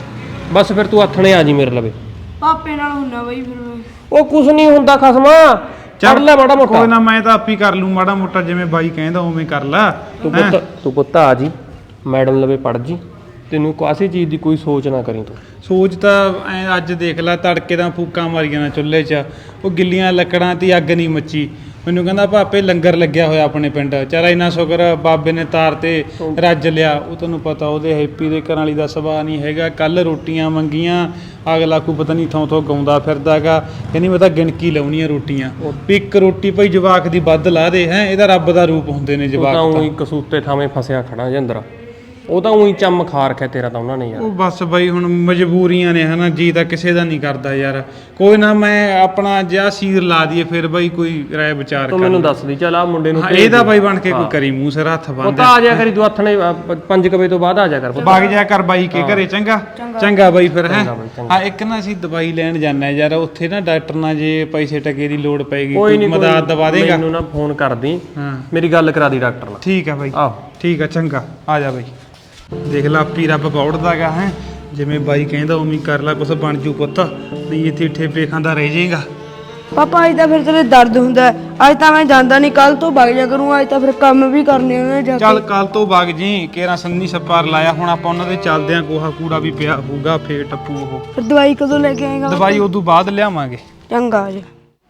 Speaker 6: ਬਸ ਫਿਰ ਤੂੰ ਆਥਣੇ ਆ ਜੀ ਮੇਰੇ ਲਵੇ।
Speaker 3: ਪਾਪੇ ਨਾਲ ਹੁੰਦਾ ਬਈ ਫਿਰ ਮੈਂ।
Speaker 6: ਉਹ ਕੁਛ ਨਹੀਂ ਹੁੰਦਾ ਖਸਮਾ, ਪੜ੍ਹ ਲੈ ਮਾੜਾ ਮੋਟਾ।
Speaker 2: ਕੋਈ ਨਾ, ਮੈਂ ਤਾਂ ਆਪ ਹੀ ਕਰ ਲੂੰ ਮਾੜਾ ਮੋਟਾ, ਜਿਵੇਂ ਬਾਈ ਕਹਿੰਦਾ ਉਵੇਂ ਕਰ ਲੈ।
Speaker 6: ਤੂੰ ਪੁੱਤ ਤੂੰ ਪੁੱਤ ਆ ਜੀ ਮੈਡਮ ਲਵੇ ਪੜ੍ਹ ਜੀ, ਤੈਨੂੰ ਕਾਸੀ ਚੀਜ਼ ਦੀ ਕੋਈ ਸੋਚ ਨਾ ਕਰੀ ਤੂੰ।
Speaker 2: ਸੋਚ ਤਾਂ ਐ ਅੱਜ ਦੇਖ ਲੈ, ਤੜਕੇ ਦਾ ਫੂਕਾਂ ਮਾਰੀਆਂ ਨਾ ਚੁੱਲ੍ਹੇ 'ਚ, ਉਹ ਗਿੱਲੀਆਂ ਲੱਕੜਾਂ ਤੇ ਅੱਗ ਨਹੀਂ ਮੱਚੀ। ਮੈਨੂੰ ਕਹਿੰਦਾ ਭਾਪੇ ਲੰਗਰ ਲੱਗਿਆ ਹੋਇਆ ਆਪਣੇ ਪਿੰਡ, ਚਾਰਾ ਇੰਨਾ ਸ਼ੁਕਰ ਬਾਬੇ ਨੇ ਤਾਰ ਤੇ ਰੱਜ ਲਿਆ। ਉਹ ਤੈਨੂੰ ਪਤਾ ਉਹਦੇ ਹੈਪੀ ਦੇ ਘਰਾਂ ਵਾਲੀ ਦਾ ਸੁਭਾਅ ਨਹੀਂ ਹੈਗਾ। ਕੱਲ ਰੋਟੀਆਂ ਮੰਗੀਆਂ, ਅਗਲਾ ਕੋਈ ਪਤਾ ਨਹੀਂ ਥੋਂ ਥੋਂ ਗਾਉਂਦਾ ਫਿਰਦਾਗਾ, ਕਹਿੰਦੀ ਮੈਂ ਤਾਂ ਗਿਣਕੀ ਲਾਉਣੀ ਆ ਰੋਟੀਆਂ, ਵੀ ਇੱਕ ਰੋਟੀ ਭਾਈ ਜਵਾਕ ਦੀ ਵੱਧ ਲਾ ਦੇ। ਹੈ ਇਹਦਾ ਰੱਬ ਦਾ ਰੂਪ ਹੁੰਦੇ ਨੇ
Speaker 6: ਤੂੰ
Speaker 2: ਜਵਾਕ
Speaker 6: ਤਾਂ
Speaker 2: ਤਾਂ।
Speaker 6: ਉਹੀ ਕਸੂਤੇ ਥਾਵੇਂ ਫਸਿਆ ਖੜਾ ਜਿੰਦਰਾ, ਉਹ ਤਾਂ ਉਹੀ ਚੰਮ ਖਾ ਰੱਖਿਆ ਤੇਰਾ ਤਾਂ ਉਹਨਾਂ ਨੇ ਯਾਰ।
Speaker 2: ਉਹ ਬਸ ਬਈ ਹੁਣ ਮਜਬੂਰੀਆਂ ਨੇ ਹਨਾ, ਜੀ ਤਾਂ ਕਿਸੇ ਦਾ ਨਹੀਂ ਕਰਦਾ ਯਾਰ। ਕੋਈ ਨਾ, ਮੈਂ ਆਪਣਾ ਜਿਹਾ ਸੀਰ ਲਾ ਦਈਏ ਫਿਰ ਬਈ ਕੋਈ ਰਾਏ ਵਿਚਾਰ
Speaker 6: ਤੂੰ
Speaker 2: ਕਰ।
Speaker 6: ਮੈਨੂੰ ਦੱਸ ਦੀ, ਚੱਲ ਆ ਮੁੰਡੇ ਨੂੰ
Speaker 2: ਹਾਂ,
Speaker 6: ਭੇਜ
Speaker 2: ਇਹਦਾ
Speaker 6: ਦੇ।
Speaker 2: ਬਾਈ ਬਣ ਕੇ ਕੋਈ
Speaker 6: ਹਾਂ।
Speaker 2: ਕਰੀ ਮੂੰਹ ਸਿਰ ਹੱਥ
Speaker 6: ਉਹ
Speaker 2: ਬੰਨ੍ਹ
Speaker 6: ਤਾਂ ਆ ਜਾ ਕਰੀ ਤੂੰ ਆਥਣੇ ਪੰਜ ਕੁ ਵਜੇ ਤੋਂ ਬਾਅਦ ਆ ਜਾ ਕਰ ਪੁੱਤ।
Speaker 2: ਵਗ ਜਾ ਕਰ ਬਾਈ ਕੇ ਘਰੇ। ਚੰਗਾ ਚੰਗਾ ਬਾਈ ਫਿਰ ਹੈ।
Speaker 6: ਚੰਗਾ ਬਾਈ, ਚੰਗਾ।
Speaker 2: ਹਾਂ ਇੱਕ ਨਾ ਅਸੀਂ ਦਵਾਈ ਲੈਣ ਜਾਣਾ ਯਾਰ, ਉੱਥੇ ਨਾ ਡਾਕਟਰ ਨਾਲ ਜੇ ਪੈਸੇ ਟਕੇ ਦੀ ਲੋੜ ਪੈਗੀ
Speaker 6: ਕੋਈ
Speaker 2: ਕੋਈ
Speaker 6: ਨਹੀਂ
Speaker 2: ਮਦਦ ਦਵਾ ਦੇਗਾ।
Speaker 6: ਮੈਨੂੰ ਨਾ ਫੋਨ ਕਰਦੀ,
Speaker 2: ਹਾਂ
Speaker 6: ਮੇਰੀ ਗੱਲ ਕਰਾ ਦੀ ਡਾਕਟਰ ਨਾਲ।
Speaker 2: ਠੀਕ ਆ ਬਾਈ,
Speaker 6: ਆਹੋ
Speaker 2: ਠੀਕ ਆ ਚੰਗਾ, ਆ ਜਾ ਬਾਈ। ਦੇਖ ਲਾ ਆਪੀ ਰੱਬ ਬੌੜਦਾਗਾ ਹੈ, ਜਿਵੇਂ ਬਾਈ ਕਹਿੰਦਾ ਉਵੇਂ ਕਰ ਲੈ, ਕੁਛ ਬਣ ਜੂ ਪੁੱਤ, ਨਹੀਂ ਇੱਥੇ ਠੇਪੇ ਖਾਂਦਾ ਰਹਿ ਜਾਏਗਾ।
Speaker 3: ਪਾਪਾ ਅੱਜ ਤਾਂ ਫਿਰ ਤੇਰੇ ਦਰਦ ਹੁੰਦਾ ਹੈ। ਅੱਜ ਤਾਂ ਮੈਂ ਜਾਂਦਾ ਨਹੀਂ, ਕੱਲ ਤੋਂ ਵਗ ਜਾ ਕਰੂੰ। ਅੱਜ ਤਾਂ ਫਿਰ ਕੰਮ ਵੀ ਕਰਨੇ ਉਹਨੇ ਜਾ
Speaker 2: ਚੱਲ
Speaker 3: ਕੇ।
Speaker 2: ਕੱਲ ਤੋਂ ਵਗ ਜੀ, ਕੇਰਾ ਸੰਨੀ ਸੱਪਾਰ ਲਾਇਆ, ਹੁਣ ਆਪਾਂ ਉਹਨਾਂ ਦੇ ਚੱਲਦੇ ਆਂ, ਕੋਹਾ ਕੂੜਾ ਵੀ ਪਿਆ ਹੋਊਗਾ, ਫੇਰ ਟੱਪੂ ਉਹ।
Speaker 3: ਫਿਰ ਦਵਾਈ ਕਦੋਂ ਲੈ ਕੇ ਆਏਗਾ?
Speaker 2: ਦਵਾਈ ਉਦੋਂ ਬਾਅਦ ਲਿਆਵਾਂਗੇ।
Speaker 3: ਚੰਗਾ ਆ ਜਾ।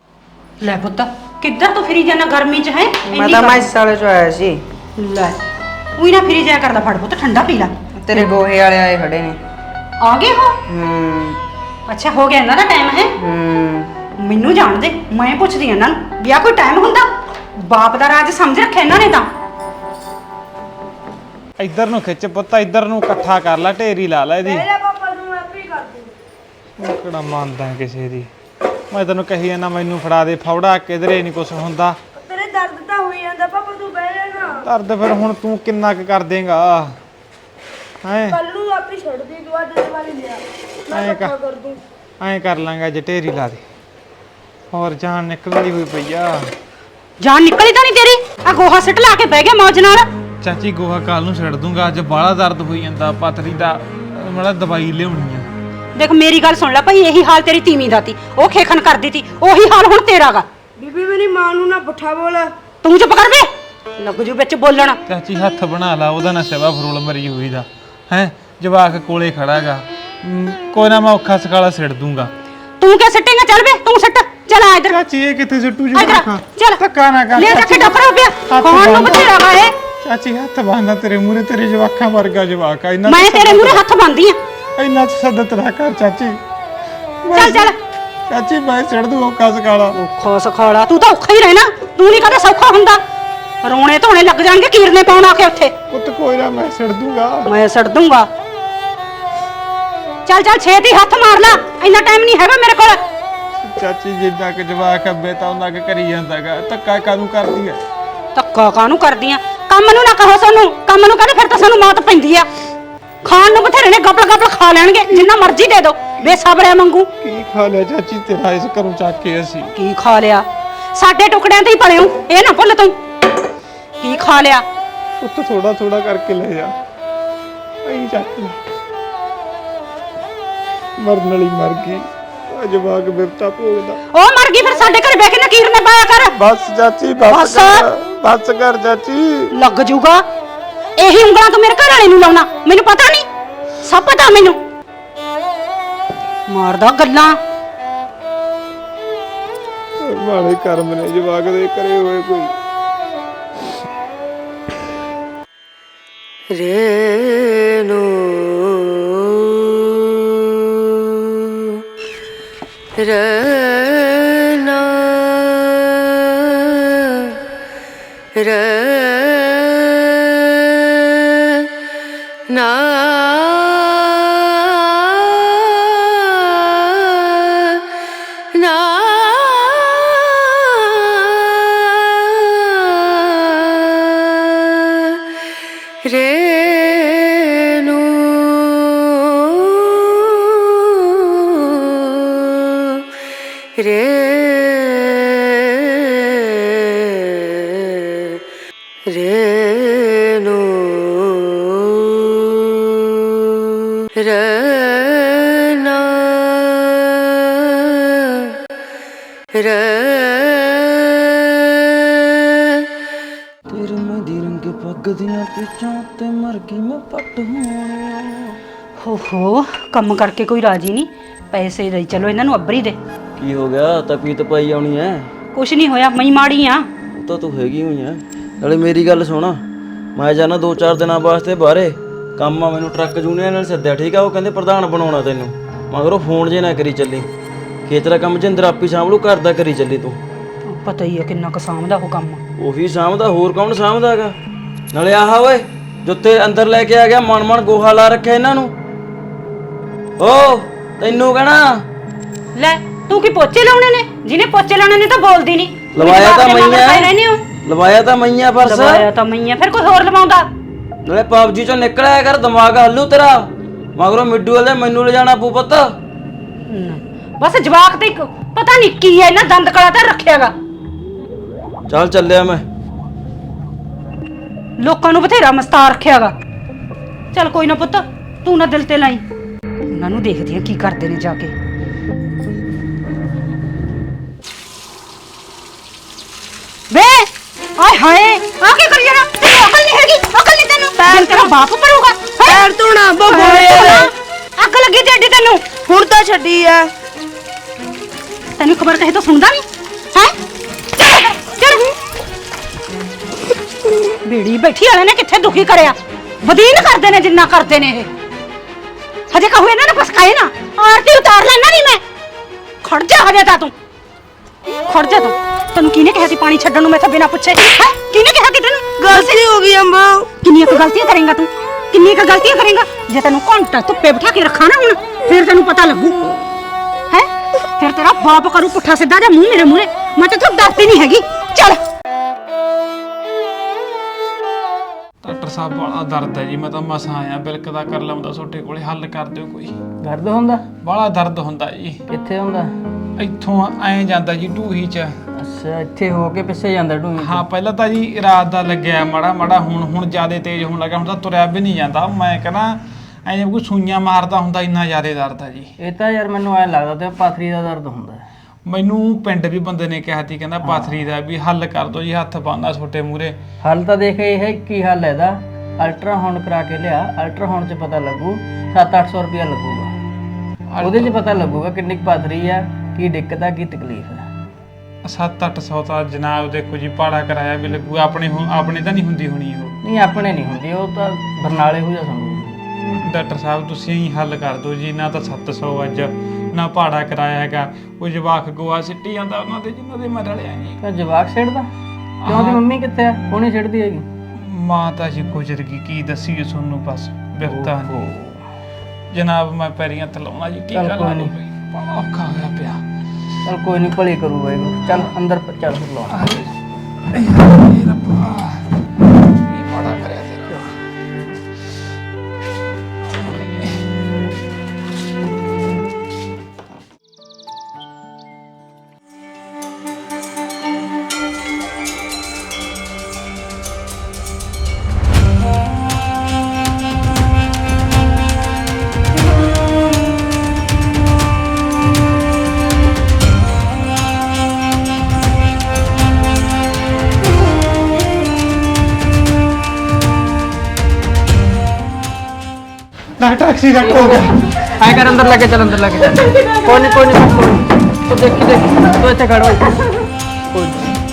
Speaker 1: ਲੈ ਪੁੱਤ, ਕਿੱਧਰ ਤੂੰ ਫਿਰੀ ਜਾਣਾ ਗਰਮੀ 'ਚ ਹੈ?
Speaker 4: ਮੈਂ ਤਾਂ ਮੈਂ ਸਾਲੇ ਚ ਆਇਆ ਸੀ।
Speaker 1: ਲੈ ਉਹੀ ਨਾ ਫਿਰੀ ਜਾਇਆ ਕਰਦਾ, ਫੜ ਪੁੱਤ ਠੰਡਾ ਪੀ ਲੈ।
Speaker 4: ਤੇਰੇ ਗੋਹੇ ਵਾਲੇ ਆਏ ਖੜੇ ਨੇ।
Speaker 1: ਆ ਗਏ ਹੋ?
Speaker 4: ਹੂੰ
Speaker 1: ਅੱਛਾ ਹੋ ਗਿਆ ਇਹਨਾਂ ਦਾ ਟਾਈਮ ਹੈ?
Speaker 4: ਹੂੰ
Speaker 1: ਮੈਨੂੰ ਜਾਣ ਦੇ, ਮੈਂ ਪੁੱਛਦੀ ਇਹਨਾਂ ਨੂੰ ਵੀ ਆਹ ਕੋਈ ਟਾਈਮ ਹੁੰਦਾ? ਬਾਪ ਦਾ ਰਾਜ ਸਮਝ ਰੱਖਿਆ ਇਹਨਾਂ ਨੇ ਤਾਂ।
Speaker 2: ਇੱਧਰ ਨੂੰ ਖਿੱਚ ਪੁੱਤ, ਇੱਧਰ ਨੂੰ ਇਕੱਠਾ ਕਰ ਲੈ, ਢੇਰੀ ਲਾ ਲੈ ਇਹਦੀ।
Speaker 3: ਇਹਦਾ ਪਾਪਾ ਨੂੰ ਮੈਂ ਆਪੇ ਹੀ ਕਰ ਦੂੰ।
Speaker 2: ਉਹ ਕਿਹੜਾ ਮੰਨਦਾ ਕਿਸੇ ਦੀ। ਮੈਂ ਤੈਨੂੰ ਕਹੀ ਜਾਂਦਾ ਮੈਨੂੰ ਫੜਾ ਦੇ ਫੌੜਾ, ਕਿਧਰੇ ਨਹੀਂ ਕੁਛ ਹੁੰਦਾ।
Speaker 3: ਤੇਰੇ ਦਰਦ ਤਾਂ ਹੋਈ ਜਾਂਦਾ ਪਾਪਾ, ਤੂੰ ਬਹਿ ਜਾ ਨਾ।
Speaker 2: ਦਰਦ ਫਿਰ ਹੁਣ ਤੂੰ ਕਿੰਨਾ ਕੁ ਕਰ ਦੇਂਗਾ ਹੈਂ?
Speaker 3: ਕੱਲ ਨੂੰ ਆਪੇ ਛੱਡ ਦੀ, ਤੂੰ ਅੱਜ ਦੇ ਵਾਲੀ ਲਿਆ ਮੈਂ
Speaker 2: ਐਂ
Speaker 3: ਇਕੱਠਾ
Speaker 2: ਕਰ
Speaker 3: ਕਰ ਦੂੰ।
Speaker 2: ਐਂ ਕਰ ਲਾਂਗਾ ਜੇ ਢੇਰੀ ਲਾ ਦੇ। ਹੋਰ ਜਾਨ ਨਿਕਲਦੀ ਹੋਈ ਪਈ ਆ।
Speaker 1: ਜਾਨ ਨਿਕਲੀ ਤਾਂ ਨਹੀਂ ਤੇਰੀ? ਆ ਗੋਹਾ ਸਿੱਟ ਲਾ ਕੇ ਬਹਿ ਗਿਆ ਮੌਜ ਨਾਲ।
Speaker 2: ਚਾਚੀ ਗੋਹਾ ਕੱਲ ਨੂੰ ਛੱਡ ਦੂੰਗਾ, ਅੱਜ ਬਾਹਲਾ ਦਰਦ ਹੋਈ ਜਾਂਦਾ ਪਥਰੀ ਦਾ, ਮੜਾ ਦਵਾਈ ਲਿਆਉਣੀ ਆ।
Speaker 1: ਦੇਖ ਮੇਰੀ ਗੱਲ ਸੁਣ ਲੈ ਭਾਈ, ਇਹੀ ਹਾਲ ਤੇਰੀ ਤੀਵੀਂ ਦਾ ਤੀ, ਉਹ ਖੇਖਣ ਕਰਦੀ ਤੀ, ਉਹੀ ਹਾਲ ਹੁਣ ਤੇਰਾ ਗਾ।
Speaker 3: ਬੀਬੀ ਮੇਰੀ ਮਾਂ ਨੂੰ ਨਾ ਪੁੱਠਾ ਬੋਲ।
Speaker 1: ਤੂੰ ਚੁੱਪ ਕਰ ਵੇ, ਲੱਗ ਜੂ ਵਿੱਚ ਬੋਲਣ।
Speaker 2: ਚਾਚੀ ਹੱਥ ਬਣਾ ਲਾ, ਉਹਦਾ ਨਾ ਸੇਵਾ ਫਰੋਲ ਮਰੀ ਹੋਈ ਦਾ ਹੈ। ਜਵਾਕ ਕੋਲੇ ਖੜਾਗਾ, ਕੋਈ ਨਾ ਮੈਂ ਔਖਾ ਸਕਾਲਾ ਸਿੱਟ ਦੂੰਗਾ।
Speaker 1: ਤੂੰ ਕਿਆ ਸਿੱਟੇਂਗਾ? ਚੱਲ ਵੇ ਤੂੰ ਸਿੱਟ, ਚੱਲ ਆ ਇੱਧਰ
Speaker 2: ਚਾਚੀ ਇਹ ਕਿੱਥੇ ਸਿੱਟੂ
Speaker 1: ਇੱਧਰ
Speaker 2: ਜਵਾਕ?
Speaker 1: ਆ, ਚੱਲ
Speaker 2: ਧੱਕਾ ਨਾ ਕਰ
Speaker 1: ਲੈ ਜਾ ਕੇ
Speaker 2: ਚਾਚੀ।
Speaker 1: ਡੱਫੜਾ ਪਿਆ,
Speaker 2: ਹੱਥ
Speaker 1: ਖਾਣ ਨੂੰ
Speaker 2: ਬੰਨ੍ਹ।
Speaker 1: ਬਥੇਰਾ ਗਾ ਇਹ।
Speaker 2: ਚਾਚੀ ਹੱਥ ਬੰਨ੍ਹਦਾ ਤੇਰੇ ਮੂਹਰੇ, ਤੇਰੇ ਜਵਾਕਾਂ ਵਰਗਾ ਜਵਾਕ ਆ। ਇੰਨਾ
Speaker 1: ਮੈਂ ਤੇਰੇ ਮੂਹਰੇ ਹੱਥ ਬੰਨਦੀ ਆ।
Speaker 2: ਇੰਨਾ ਤਸੱਦਤ ਨਾ ਕਰ ਚਾਚੀ।
Speaker 1: ਚੱਲ ਚੱਲ
Speaker 2: ਚਾਚੀ ਮੈਂ ਸਿੱਟ ਦੂੰ ਔਖਾ ਸਕਾਲਾ।
Speaker 1: ਔਖਾ ਸਖਾਲਾ, ਤੂੰ ਤਾਂ ਔਖਾ ਹੀ ਰਹਿਣਾ, ਤੂੰ ਨਹੀਂ ਕਦੇ ਸੌਖਾ ਹੁੰਦਾ। ਰੋਣੇ ਧੋਣੇ ਲੱਗ ਜਾਣਗੇ ਕੀਰਨੇ ਪਾਉਣ ਆ ਕੇ ਉੱਥੇ।
Speaker 2: ਪੁੱਤ ਕੋਈ ਨਾ ਮੈਂ ਸਿੱਟ ਦੂੰਗਾ।
Speaker 1: ਮੈਂ ਛੱਡ ਦੂੰਗਾ। ਚੱਲ ਚੱਲ ਛੇਤੀ ਹੱਥ ਮਾਰ ਲੈ, ਇੰਨਾ ਟਾਈਮ ਨਹੀਂ ਹੈਗਾ ਮੇਰੇ ਕੋਲ।
Speaker 2: ਚਾਚੀ ਜਿੱਦਾਂ ਕਿ ਜਵਾਕ ਅੱਬੇ ਤਾਂ ਉਹਨਾਂ ਕੇ ਕਰੀ ਜਾਂਦਾਗਾ, ਧੱਕਾ ਕਾਹਨੂੰ ਕਰਦੀ ਐ?
Speaker 1: ਧੱਕਾ ਕਾਹਨੂੰ ਕਰਦੀਆਂ? ਕੰਮ ਨੂੰ ਨਾ ਕਹੋ ਸਾਨੂੰ, ਕੰਮ ਨੂੰ ਕਹਿੰਦੇ ਫਿਰ ਤਾਂ ਸਾਨੂੰ ਮੌਤ ਪੈਂਦੀ ਆ। ਖਾਣ ਨੂੰ ਬਥੇਰੇ ਨੇ, ਗਬਲ ਗਬਲ ਖਾ ਲੈਣਗੇ, ਜਿੰਨਾ ਮਰਜ਼ੀ ਦੇ ਦੋ, ਬੇਸਬਰਿਆ ਮੰਗੂ।
Speaker 2: ਕੀ ਖਾ ਲਿਆ ਚਾਚੀ ਤੇਰਾ ਇਸ ਘਰੋਂ ਚੱਕ ਕੇ ਅਸੀਂ?
Speaker 1: ਕੀ ਖਾ ਲਿਆ? ਸਾਡੇ ਟੁਕੜਿਆਂ ਤੇ ਹੀ ਪਲੇ ਹੋ, ਇਹ ਨਾ ਭੁੱਲ ਤੂੰ। ਕੀ ਖਾ ਲਿਆ?
Speaker 2: ਪੁੱਤ ਥੋੜਾ ਥੋੜਾ ਕਰਕੇ ਲੈ ਜਾ, ਐਂ ਚੱਕ ਲੈ। ਮਰਨ ਵਾਲੀ ਮਰ ਗਈ, ਉਹ ਜਵਾਕ ਬਿਪਤਾ ਭੋਗਦਾ।
Speaker 1: ਉਹ ਮਰ ਗਈ, ਫਿਰ ਸਾਡੇ ਘਰੇ ਬਹਿ ਕੇ ਨਾ ਕੀਰਨੇ ਪਾਇਆ ਕਰ।
Speaker 2: ਬਸ ਚਾਚੀ ਬਸ
Speaker 1: ਬਸ।
Speaker 2: ਕਰ, ਬਸ ਕਰ ਚਾਚੀ।
Speaker 1: ਲੱਗ ਜੂਗਾ। ਇਹੀ ਉਂਗਲਾਂ ਤੂੰ ਮੇਰੇ ਘਰ ਵਾਲੇ ਨੂੰ ਲਾਉਣਾ, ਮੈਨੂੰ ਪਤਾ ਨਹੀਂ, ਸਭ ਪਤਾ ਮੈਨੂੰ। ਮਾਰਦਾ ਗੱਲਾਂ।
Speaker 2: ਮਾੜੇ ਕਰਮ ਨੇ ਜਵਾਕ ਦੇ ਕਰੇ ਹੋਏ ਕੋਈ।
Speaker 3: ਰੇਨੂ ਰਨਾ ਰਨਾ ਨਾ ਰੇਨੂ ਰੇ ਰੇਨੂ ਰਨਾ ਰ
Speaker 5: ਤੇਰੇ ਮਹਿੰਦੀ ਰੰਗੇ ਪੱਗ ਦੀਆਂ ਪਿੱਛੋਂ ਤੇ ਮਰ ਗਈ ਮੈਂ ਪੱਟ ਹੋਣਿਆ।
Speaker 1: ਹੋ ਹੋ, ਕੰਮ ਕਰਕੇ ਕੋਈ ਰਾਜੀ ਨਹੀਂ, ਪੈਸੇ ਦੇ ਚਲੋ ਇਹਨਾਂ ਨੂੰ ਅੱਬਰੀ ਦੇ।
Speaker 5: ਕੀ ਹੋ ਗਿਆ? ਤਪੀਤ ਪਾਈ ਆਉਣੀ ਐ?
Speaker 1: ਕੁਛ ਨਹੀਂ ਹੋਇਆ, ਮਈ ਮਾੜੀ ਆ।
Speaker 5: ਉਹ ਤਾਂ ਤੂੰ ਹੈਗੀ ਹੋਈ ਐ। ਨਾਲੇ ਮੇਰੀ ਗੱਲ ਸੁਣ, ਮੈਂ ਜਾਣਾ ਦੋ ਚਾਰ ਦਿਨਾਂ ਵਾਸਤੇ ਬਾਹਰੇ ਕੰਮ ਆ, ਮੈਨੂੰ ਟਰੱਕ ਯੂਨੀਅਨ ਨਾਲ ਸੱਦਿਆ, ਠੀਕ ਆ? ਉਹ ਕਹਿੰਦੇ ਪ੍ਰਧਾਨ ਬਣਾਉਣਾ ਤੈਨੂੰ, ਮਗਰੋਂ ਫੋਨ ਜੇ ਨਾ ਕਰੀ ਚੱਲੀ। ਖੇਤ ਦਾ ਕੰਮ ਜਿੰਦਰ ਆਪੀ ਸਾਂਭਲੂ, ਘਰ ਦਾ ਕਰੀ ਚੱਲੀ ਤੂੰ।
Speaker 1: ਪਤਾ ਹੀ ਆ ਕਿੰਨਾ ਕੁ ਸਾਂਭਦਾ ਉਹ ਕੰਮ।
Speaker 5: ਉਹੀ ਸਾਂਭਦਾ, ਹੋਰ ਕੌਣ ਸਾਂਭਦਾ ਹੈਗਾ? ਨਾਲੇ ਆਹ ਓਏ ਜੁੱਤੇ ਅੰਦਰ ਲੈ ਕੇ ਆ ਗਿਆ, ਮਨ ਮਨ ਗੋਹਾ ਲਾ ਰੱਖਿਆ ਇਹਨਾਂ ਨੂੰ। ਓ ਤੈਨੂੰ ਕਹਿਣਾ,
Speaker 1: ਲੈ ਤੂੰ ਕੀ ਪੋਚੇ ਲਾਉਣੇ ਨੇ? ਜਿਹਨੇ ਪੋਚੇ ਲਾਉਣੇ ਨੇ ਤਾਂ ਬੋਲਦੀ ਨਹੀਂ।
Speaker 5: ਲਵਾਇਆ ਤਾਂ
Speaker 1: ਰਹਿੰਦੇ
Speaker 5: ਮਈਆਂ,
Speaker 1: ਹੋ
Speaker 5: ਲਵਾਇਆ ਤਾਂ ਮਈਆਂ ਪਰਸ।
Speaker 1: ਲਵਾਇਆ ਤਾਂ ਮਈਆਂ, ਫਿਰ ਕੋਈ ਹੋਰ ਲਵਾਉਂਦਾ।
Speaker 5: ਨਾਲੇ ਪਬਜੀ ਚੋਂ ਨਿਕਲਿਆ ਕਰ, ਦਿਮਾਗ ਹੱਲੂ ਤੇਰਾ। ਮਗਰੋਂ ਮਿੱਡੂ ਵਾਲੇ ਮੈਨੂੰ ਲੈ ਜਾਣਾ ਪੂ ਪੁੱਤ।
Speaker 1: ਬਸ ਜਵਾਕ ਤੇ ਇੱਕ ਪਤਾ ਨਹੀਂ ਕੀ ਹੈ, ਇਹਨਾਂ ਦੰਦ ਕਲਾ ਤਾਂ ਰੱਖਿਆਗਾ।
Speaker 5: ਚੱਲ ਚੱਲਿਆ ਮੈਂ।
Speaker 1: ਲੋਕਾਂ ਨੂੰ ਬਥੇਰਾ ਮਸਤਾਰ ਰੱਖਿਆਗਾ। ਚੱਲ ਕੋਈ ਨਾ ਪੁੱਤ, ਤੂੰ ਨਾ ਦਿਲ ਤੇ ਲਾਈ, ਉਹਨਾਂ ਨੂੰ ਦੇਖਦੀ ਆ ਕੀ ਕਰਦੇ ਨੇ ਜਾ ਕੇ। ਵੇ ਆਏ ਹਾਏ, ਆ ਕੀ ਕਰੀ ਜਾਣਾ? ਤੈਨੂੰ ਅਕਲ ਨਹੀਂ ਹੈਗੀ? ਅਕਲ ਨਹੀਂ ਤੈਨੂੰ? ਪੈਰ ਤੇਰਾ ਬਾਪ ਭਰੂਗਾ।
Speaker 3: ਪੈਰ ਧੋਣਾ ਬਗੋਏ।
Speaker 1: ਅੱਗ ਲੱਗੀ ਜੱਡੀ ਤੈਨੂੰ।
Speaker 3: ਹੁਣ ਤਾਂ ਛੱਡੀ ਆ।
Speaker 1: ਤੈਨੂੰ ਖਬਰ ਕਹੇ ਤਾਂ ਸੁਣਦਾ ਨਹੀਂ ਹੈ? ਚੱਲ ਬੀੜੀ ਬੈਠੀ ਵਾਲੇ ਨੇ ਕਿੱਥੇ ਦੁਖੀ ਕਰਿਆ। ਵਧੀਨ ਕਰਦੇ ਨੇ ਜਿੰਨਾ ਕਰਦੇ ਨੇ ਇਹ। ਹਜੇ ਕਹੂ ਇਹਨਾਂ ਨੇ ਫਸਕਾਏ ਨਾ, ਆਰਤੀ ਉਤਾਰ ਲੈਣਾ ਨਹੀਂ ਮੈਂ। ਖੜ ਜਾ ਹਜੇ ਤਾਂ ਤੂੰ, ਖੜ ਜਾ ਤੂੰ। ਤੈਨੂੰ ਕਿਹਨੇ ਕਿਹਾ ਸੀ ਪਾਣੀ ਛੱਡਣ ਨੂੰ ਮੈਥੋਂ ਬਿਨਾਂ ਪੁੱਛੇ? ਹੈ ਕਿਹਨੇ ਕਿਹਾ ਕਿ ਤੈਨੂੰ?
Speaker 3: ਗਲਤੀ ਹੋ ਗਈ ਅੰਬੋ।
Speaker 1: ਕਿੰਨੀਆਂ ਕੁ ਗਲਤੀਆਂ ਕਰੇਂਗਾ ਤੂੰ? ਕਿੰਨੀਆਂ ਕੁ ਗਲਤੀਆਂ ਕਰੇਂਗਾ? ਜੇ ਤੈਨੂੰ ਘੰਟਾ ਧੁੱਪੇ ਬਿਠਾ ਕੇ ਰੱਖਾਂ ਨਾ ਹੁਣ, ਫਿਰ ਤੈਨੂੰ ਪਤਾ ਲੱਗੂ। ਹੈ ਫਿਰ ਤੇਰਾ ਬਾਪ ਕਰੂ ਪੁੱਠਾ ਸਿੱਧਾ ਜਾਂ ਮੂੰਹ ਮੇਰੇ ਮੂਹਰੇ। ਮੈਂ ਤਾਂ ਤੂੰ ਡਰਦੀ ਨਹੀਂ ਹੈਗੀ। ਚੱਲ
Speaker 2: ਡਾਕਟਰ ਸਾਹਿਬ ਬੜਾ ਦਰਦ ਹੈ ਜੀ, ਮੈਂ ਤਾਂ ਮਸਾਂ ਆਇਆ, ਬਿਲਕਦਾ ਕਰ ਲਵਾਂਦਾ ਤੁਹਾਡੇ ਕੋਲੇ, ਹੱਲ ਕਰ ਦਿਓ ਕੋਈ।
Speaker 6: ਦਰਦ ਹੁੰਦਾ?
Speaker 2: ਬੜਾ ਦਰਦ ਹੁੰਦਾ ਜੀ,
Speaker 6: ਕਿੱਥੇ ਹੁੰਦਾ?
Speaker 2: ਇੱਥੋਂ ਐਂ ਜਾਂਦਾ ਜੀ ਢੂਹੀ ਚ।
Speaker 6: ਅੱਛਾ, ਇੱਥੇ ਹੋ ਕੇ ਪਿੱਛੇ ਜਾਂਦਾ ਢੂਹੀ?
Speaker 2: ਹਾਂ ਪਹਿਲਾਂ ਤਾਂ ਜੀ ਰਾਤ ਦਾ ਲੱਗਿਆ ਮਾੜਾ ਮਾੜਾ, ਹੁਣ ਹੁਣ ਜ਼ਿਆਦਾ ਤੇਜ਼ ਹੋਣ ਲੱਗਾ, ਹੁਣ ਤਾਂ ਤੁਰਿਆ ਵੀ ਨਹੀਂ ਜਾਂਦਾ। ਮੈਂ ਕਹਿੰਦਾ ਐਂ ਜਿਵੇਂ ਕੋਈ ਸੂਈਆਂ ਮਾਰਦਾ ਹੁੰਦਾ, ਇੰਨਾ ਜ਼ਿਆਦਾ ਦਰਦ ਆ ਜੀ।
Speaker 6: ਇਹ ਤਾਂ ਯਾਰ ਮੈਨੂੰ ਐ ਲੱਗਦਾ ਤੇ ਪਾਥਰੀ ਦਾ ਦਰਦ ਹੁੰਦਾ।
Speaker 2: ਮੈਨੂੰ ਪਿੰਡ ਵੀ ਬੰਦੇ ਨੇ ਕਿਹਾ ਸੀ, ਕਹਿੰਦਾ ਪਾਥਰੀ ਦਾ ਵੀ ਹੱਲ ਕਰ ਦੋ ਜੀ, ਹੱਥ ਪਾਉਂਦਾ ਛੋਟੇ ਮੂਰੇ।
Speaker 6: ਹੱਲ ਤਾਂ ਦੇਖ ਇਹ ਹੈ ਕੀ ਹੱਲ ਹੈ ਇਹਦਾ, ਅਲਟਰਾਸਾਊਂਡ ਕਰਾ ਕੇ ਲਿਆ, ਅਲਟਰਾਸਾਊਂਡ 'ਚ ਪਤਾ ਲੱਗੂ, ਸੱਤ ਅੱਠ ਸੌ ਰੁਪਇਆ ਲੱਗੂਗਾ, ਉਹਦੇ 'ਚ ਪਤਾ ਲੱਗੂਗਾ ਕਿੰਨੀ ਕੁ ਪਾਥਰੀ ਆ, ਕੀ ਦਿੱਕਤ ਆ, ਕੀ ਤਕਲੀਫ ਹੈ।
Speaker 2: ਸੱਤ ਅੱਠ ਸੌ ਤਾਂ ਜਨਾਬ ਦੇਖੋ ਜੀ ਭਾੜਾ ਕਰਾਇਆ ਵੀ ਲੱਗੂ, ਆਪਣੇ ਹੁਣ ਆਪਣੇ ਤਾਂ ਨਹੀਂ ਹੁੰਦੀ ਹੋਣੀ ਉਹ।
Speaker 6: ਨਹੀਂ ਆਪਣੇ ਨਹੀਂ ਹੁੰਦੀ, ਉਹ ਤਾਂ ਬਰਨਾਲੇ ਹੋ ਜਾ ਸਾਨੂੰ।
Speaker 2: ਡਾਕਟਰ ਸਾਹਿਬ ਤੁਸੀਂ ਹੀ ਹੱਲ ਕਰ ਦਿਓ ਜੀ, ਨਾ ਤਾਂ ਸੱਤ ਸੌ ਅੱਜ ਨਾ ਭਾੜਾ ਕਰਾਇਆ ਹੈਗਾ, ਉਹ ਜਵਾਕ ਗੋਆ ਸਿੱਟੀ ਜਾਂਦਾ ਉਹਨਾਂ ਦੇ ਜਿਨ੍ਹਾਂ ਦੇ ਮੈਂ ਰਲਿਆ ਜੀ।
Speaker 6: ਤਾਂ ਜਵਾਕ ਛੱਡਦਾ ਕਿਉਂ? ਦੀ ਮੰਮੀ ਕਿੱਥੇ ਆ? ਉਹ ਨਹੀਂ ਛੱਡਦੀ ਹੈਗੀ।
Speaker 2: ਮਾਂ ਤਾਂ ਜੀ ਗੁਜ਼ਰ ਗਈ, ਕੀ ਦੱਸੀਏ ਤੁਹਾਨੂੰ, ਬਸ ਬਿਰਤਾ ਨਹੀਂ ਜਨਾਬ। ਮੈਂ ਪੈਰੀਂ ਹੱਥ ਲਾਉਣਾ ਜੀ, ਕੀ
Speaker 6: ਚੱਲ
Speaker 2: ਗੱਲ
Speaker 6: ਕੋਈ
Speaker 2: ਆ
Speaker 6: ਨੀ।
Speaker 2: ਬੜਾ ਔਖਾ ਹੋਇਆ ਪਿਆ।
Speaker 6: ਚਲ ਕੋਈ ਨਹੀਂ, ਭਲੀ ਕਰੂ ਵਾਹਿਗੁਰੂ। ਚੱਲ ਅੰਦਰ ਚੱਲ ਫਿਰ ਲਾ।
Speaker 2: ਇਹ ਰੱਬਾ ਇਹ ਬੜਾ ਕਰਿਆ ਤੇਰਾ। ਡਾਕਟਰ ਐਕਸੀਡੈਂਟ ਹੋ ਗਿਆ।
Speaker 6: ਐ ਕਰ ਅੰਦਰ ਲੈ ਕੇ ਚੱਲ, ਅੰਦਰ ਲੈ ਕੇ ਚੱਲ। ਕੋਈ ਨਹੀਂ ਕੋਈ ਨਹੀਂ, ਤੂੰ ਦੇਖੀ ਦੇਖੀ, ਤੂੰ ਇੱਥੇ ਖੜ ਹੋਈ। ਕੋਈ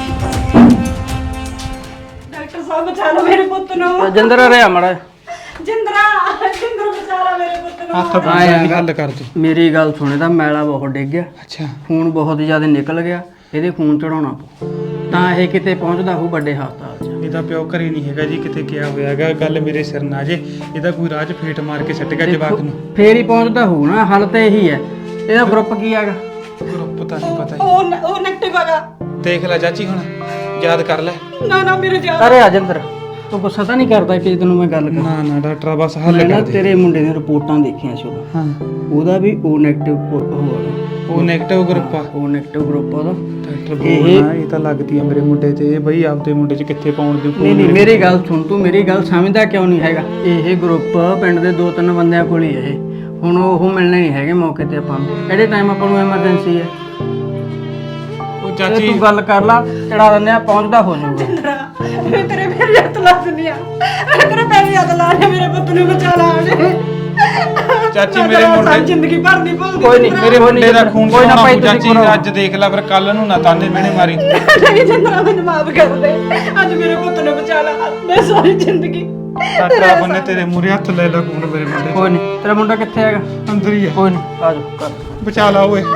Speaker 1: ਡਾਕਟਰ ਸਾਹਿਬ ਬਚਾ ਲਓ ਮੇਰੇ ਪੁੱਤ ਨੂੰ।
Speaker 6: ਜਿੰਦਰ ਰਿਹਾ ਮੜਾ।
Speaker 1: ਜਿੰਦਰਾ ਜਿੰਦਰ ਬਚਾ ਲਾ ਮੇਰੇ ਪੁੱਤ ਨੂੰ।
Speaker 2: ਹੱਥ ਪਾਉਂਦਾ ਨਹੀਂ, ਹੱਲ ਕਰ ਦੋ।
Speaker 6: ਮੇਰੀ ਗੱਲ ਸੁਣੇ, ਤਾਂ ਮੈਲਾ ਬਹੁਤ ਡਿੱਗ ਗਿਆ,
Speaker 2: ਅੱਛਾ
Speaker 6: ਖੂਨ ਬਹੁਤ ਜ਼ਿਆਦਾ ਨਿਕਲ ਗਿਆ, ਇਹਦੇ ਖੂਨ ਚੜਾਉਣਾ ਪਊ, ਤਾਂ ਇਹ ਕਿਤੇ ਪਹੁੰਚਦਾ ਹੋਊ ਵੱਡੇ ਹਸਪਤਾਲ 'ਚ।
Speaker 2: ਇਹਦਾ ਪਿਓ ਘਰੇ ਨਹੀਂ ਹੈਗਾ ਜੀ, ਕਿਤੇ ਗਿਆ ਹੋਇਆ ਹੈਗਾ, ਗੱਲ ਮੇਰੇ ਸਿਰ ਨਾ ਜੇ, ਇਹਦਾ ਕੋਈ ਰਾਜ ਫੇਟ ਮਾਰ ਕੇ ਸੱਟ ਗਿਆ ਜਵਾਕ ਨੂੰ।
Speaker 6: ਫੇਰ ਹੀ ਪਹੁੰਚਦਾ ਹੋਊ ਨਾ, ਹੱਲ ਤਾਂ ਇਹੀ ਹੈ। ਇਹਦਾ ਗਰੁੱਪ ਕੀ ਹੈਗਾ?
Speaker 2: ਗਰੁੱਪ ਤਾਂ ਨਹੀਂ ਪਤਾ
Speaker 1: ਉਹ ਉਹ ਨੈਗੇਟਿਵ ਹੈਗਾ।
Speaker 2: ਜੀ, ਦੇਖ ਲੈ ਚਾਚੀ ਹੁਣ ਯਾਦ ਕਰ ਲੈ।
Speaker 1: ਨਾ ਨਾ ਮੇਰੇ ਜਾ
Speaker 6: ਅਰੇ ਅਜਿੰਦਰ, ਤੂੰ ਗੁੱਸਾ ਤਾਂ ਨਹੀਂ ਕਰਦਾ ਕਿ ਤੈਨੂੰ ਮੈਂ ਗੱਲ ਕਰਾਂ?
Speaker 2: ਨਾ ਨਾ ਡਾਕਟਰ ਬਸ ਹੱਲ
Speaker 6: ਮੈਂ ਨਾ
Speaker 2: ਕਰ ਦੇ।
Speaker 6: ਤੇਰੇ ਮੁੰਡੇ ਦੀਆਂ ਰਿਪੋਰਟਾਂ ਦੇਖੀਆਂ ਸੀ, ਉਹਦਾ
Speaker 2: ਹਾਂ
Speaker 6: ਉਹਦਾ ਵੀ ਓ ਨੈਗੇਟਿਵ ਹੋਇਆ।
Speaker 2: ਉਹ ਨੈਗੇਟਿਵ ਗਰੁੱਪ ਆ
Speaker 6: ਓ ਨੈਗੇਟਿਵ ਗਰੁੱਪ ਉਹਦਾ।
Speaker 2: ਡਾਕਟਰ ਬੋਲਣਾ, ਇਹ ਤਾਂ ਲੱਗਦੀ ਆ ਮੇਰੇ ਮੁੰਡੇ ਤੇ, ਇਹ ਬਈ ਆਪਦੇ ਮੁੰਡੇ 'ਚ ਕਿੱਥੇ ਪਾਉਣ ਦੀ।
Speaker 6: ਨਹੀਂ ਨਹੀਂ, ਮੇਰੀ ਗੱਲ ਸੁਣ, ਤੂੰ ਮੇਰੀ ਗੱਲ ਸਮਝਦਾ ਕਿਉਂ ਨਹੀਂ ਹੈਗਾ? ਇਹ ਗਰੁੱਪ ਪਿੰਡ ਦੇ ਦੋ ਤਿੰਨ ਬੰਦਿਆਂ ਕੋਲ ਹੀ ਹੈ ਇਹ, ਹੁਣ ਉਹ ਮਿਲਣੇ ਨਹੀਂ ਹੈਗੇ ਮੌਕੇ ਤੇ ਆਪਾਂ ਨੂੰ, ਕਿਹੜੇ ਟਾਈਮ ਆਪਾਂ ਨੂੰ ਐਮਰਜੈਂਸੀ ਹੈ।
Speaker 2: ਉਹ
Speaker 6: ਤੇ
Speaker 2: ਚਾਚੀ
Speaker 6: ਤੂੰ ਗੱਲ ਕਰ ਲਾ, ਚੜਾ ਦਿੰਦੇ ਆ, ਪਹੁੰਚਦਾ ਹੋ ਜਾਊਗਾ।
Speaker 1: ਮੈਂ ਤੇਰੇ ਪੈਰੀ ਹੱਥ ਲਾ ਦਿੰਦੀ ਆ, ਮੈਂ ਤੇਰੇ ਪੈਰੀ ਹੱਥ ਲਾ ਰਹੀ, ਮੇਰੇ ਪੁੱਤ ਨੂੰ ਬਚਾ ਲਾ।
Speaker 2: ਚਾਚੀ ਮੇਰੇ ਮੁੰਡੇ
Speaker 1: ਜ਼ਿੰਦਗੀ ਭਰ ਨਹੀਂ ਭੁੱਲਦੀ।
Speaker 6: ਕੋਈ ਨਹੀਂ,
Speaker 2: ਮੇਰੇ ਮੁੰਡੇ ਦਾ ਖੂਨ
Speaker 6: ਕੋਈ ਨਾ
Speaker 2: ਚੜਾਉਣਾ
Speaker 6: ਭਾਈ,
Speaker 2: ਪਊ
Speaker 6: ਤੁਸੀਂ
Speaker 2: ਚਾਚੀ,
Speaker 6: ਕਰੋ।
Speaker 2: ਅੱਜ ਦੇਖ ਲੈ ਫਿਰ ਕੱਲ ਨੂੰ ਨਾ ਤਾਨੇ ਮਿਹਣੇ ਮਾਰੀ।
Speaker 1: ਨਹੀਂ ਜਿੰਦਰਾ ਮੈਨੂੰ ਮਾਫ ਕਰ ਦੇ, ਅੱਜ ਮੇਰੇ ਪੁੱਤ ਨੂੰ ਬਚਾ ਲਾ, ਮੈਂ ਸਾਰੀ ਜ਼ਿੰਦਗੀ।
Speaker 2: ਡਾਕਟਰ ਬੰਨੇ ਤੇਰੇ ਮੂਰੇ ਹੱਥ ਲੈ ਲਾ ਖੂਨ ਮੇਰੇ ਮੁੰਡੇ
Speaker 6: ਕੋਈ ਨਹੀਂ, ਤੇਰਾ ਮੁੰਡਾ ਕਿੱਥੇ ਹੈਗਾ?
Speaker 2: ਅੰਦਰ ਹੀ ਆ,
Speaker 6: ਕੋਈ ਨਹੀਂ, ਆ ਜਾਓ ਕਰ।
Speaker 2: ਬਚਾ ਲਾ ਓਏ।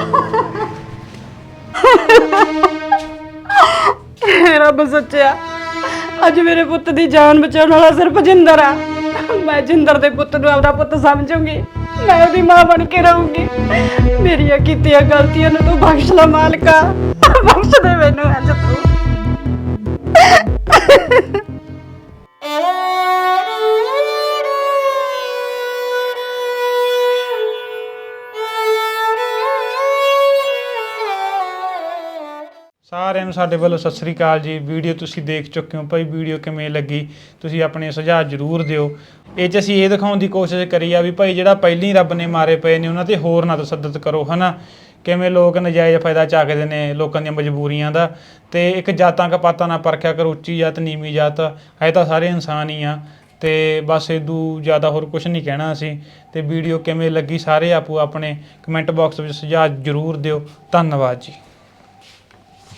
Speaker 1: ਰੱਬ ਸੱਚਿਆ, ਅੱਜ ਮੇਰੇ ਪੁੱਤ ਦੀ ਜਾਨ ਬਚਾਉਣ ਵਾਲਾ ਸਿਰਫ ਜਿੰਦਰ ਆ। ਮੈਂ ਜਿੰਦਰ ਦੇ ਪੁੱਤ ਨੂੰ ਆਪਦਾ ਪੁੱਤ ਸਮਝੂੰਗੀ, ਮੈਂ ਉਹਦੀ ਮਾਂ ਬਣ ਕੇ ਰਹੂੰਗੀ। ਮੇਰੀਆਂ ਕੀਤੀਆਂ ਗਲਤੀਆਂ ਨੂੰ ਤੂੰ ਬਖਸ਼ ਲੈ ਮਾਲਕਾ, ਬਖਸ਼ ਦੇ ਮੈਨੂੰ ਅੱਜ ਤੂੰ।
Speaker 2: ਸਾਰਿਆਂ ਨੂੰ ਸਾਡੇ ਵੱਲੋਂ ਸਤਿ ਸ੍ਰੀ ਅਕਾਲ ਜੀ। ਵੀਡੀਓ ਤੁਸੀਂ ਦੇਖ ਚੁੱਕੇ ਹੋ ਭਾਈ, ਵੀਡੀਓ ਕਿਵੇਂ ਲੱਗੀ ਤੁਸੀਂ ਆਪਣੇ ਸੁਝਾਅ ਜ਼ਰੂਰ ਦਿਓ। ਇਹ 'ਚ ਅਸੀਂ ਇਹ ਦਿਖਾਉਣ ਦੀ ਕੋਸ਼ਿਸ਼ ਕਰੀ ਆ ਵੀ ਭਾਈ ਜਿਹੜਾ ਪਹਿਲੀ ਰੱਬ ਨੇ ਮਾਰੇ ਪਏ ਨੇ ਉਹਨਾਂ ਤੇ ਹੋਰ ਨਾ ਤਸੱਦਦ ਕਰੋ, ਹਨਾ। ਕਿਵੇਂ ਲੋਕ ਨਜਾਇਜ਼ ਫਾਇਦਾ ਚੱਕਦੇ ਨੇ ਲੋਕਾਂ ਦੀਆਂ ਮਜਬੂਰੀਆਂ ਦਾ, ਤੇ ਇੱਕ ਜਾਤਾਂ ਕਪਾਤਾਂ ਨਾਲ ਪਰਖਿਆ ਕਰੋ, ਉੱਚੀ ਜਾਤ ਨੀਵੀਂ ਜਾਤ ਹੈ ਤਾਂ ਸਾਰੇ ਇਨਸਾਨ ਹੀ ਆ। ਤੇ ਬਸ ਇਦੂ ਜ਼ਿਆਦਾ ਹੋਰ ਕੁਝ ਨਹੀਂ ਕਹਿਣਾ ਅਸੀਂ। ਤੇ ਵੀਡੀਓ ਕਿਵੇਂ ਲੱਗੀ ਸਾਰੇ ਆਪੋ ਆਪਣੇ ਕਮੈਂਟ ਬਾਕਸ ਵਿੱਚ ਸੁਝਾਅ ਜ਼ਰੂਰ ਦਿਓ। ਧੰਨਵਾਦ ਜੀ।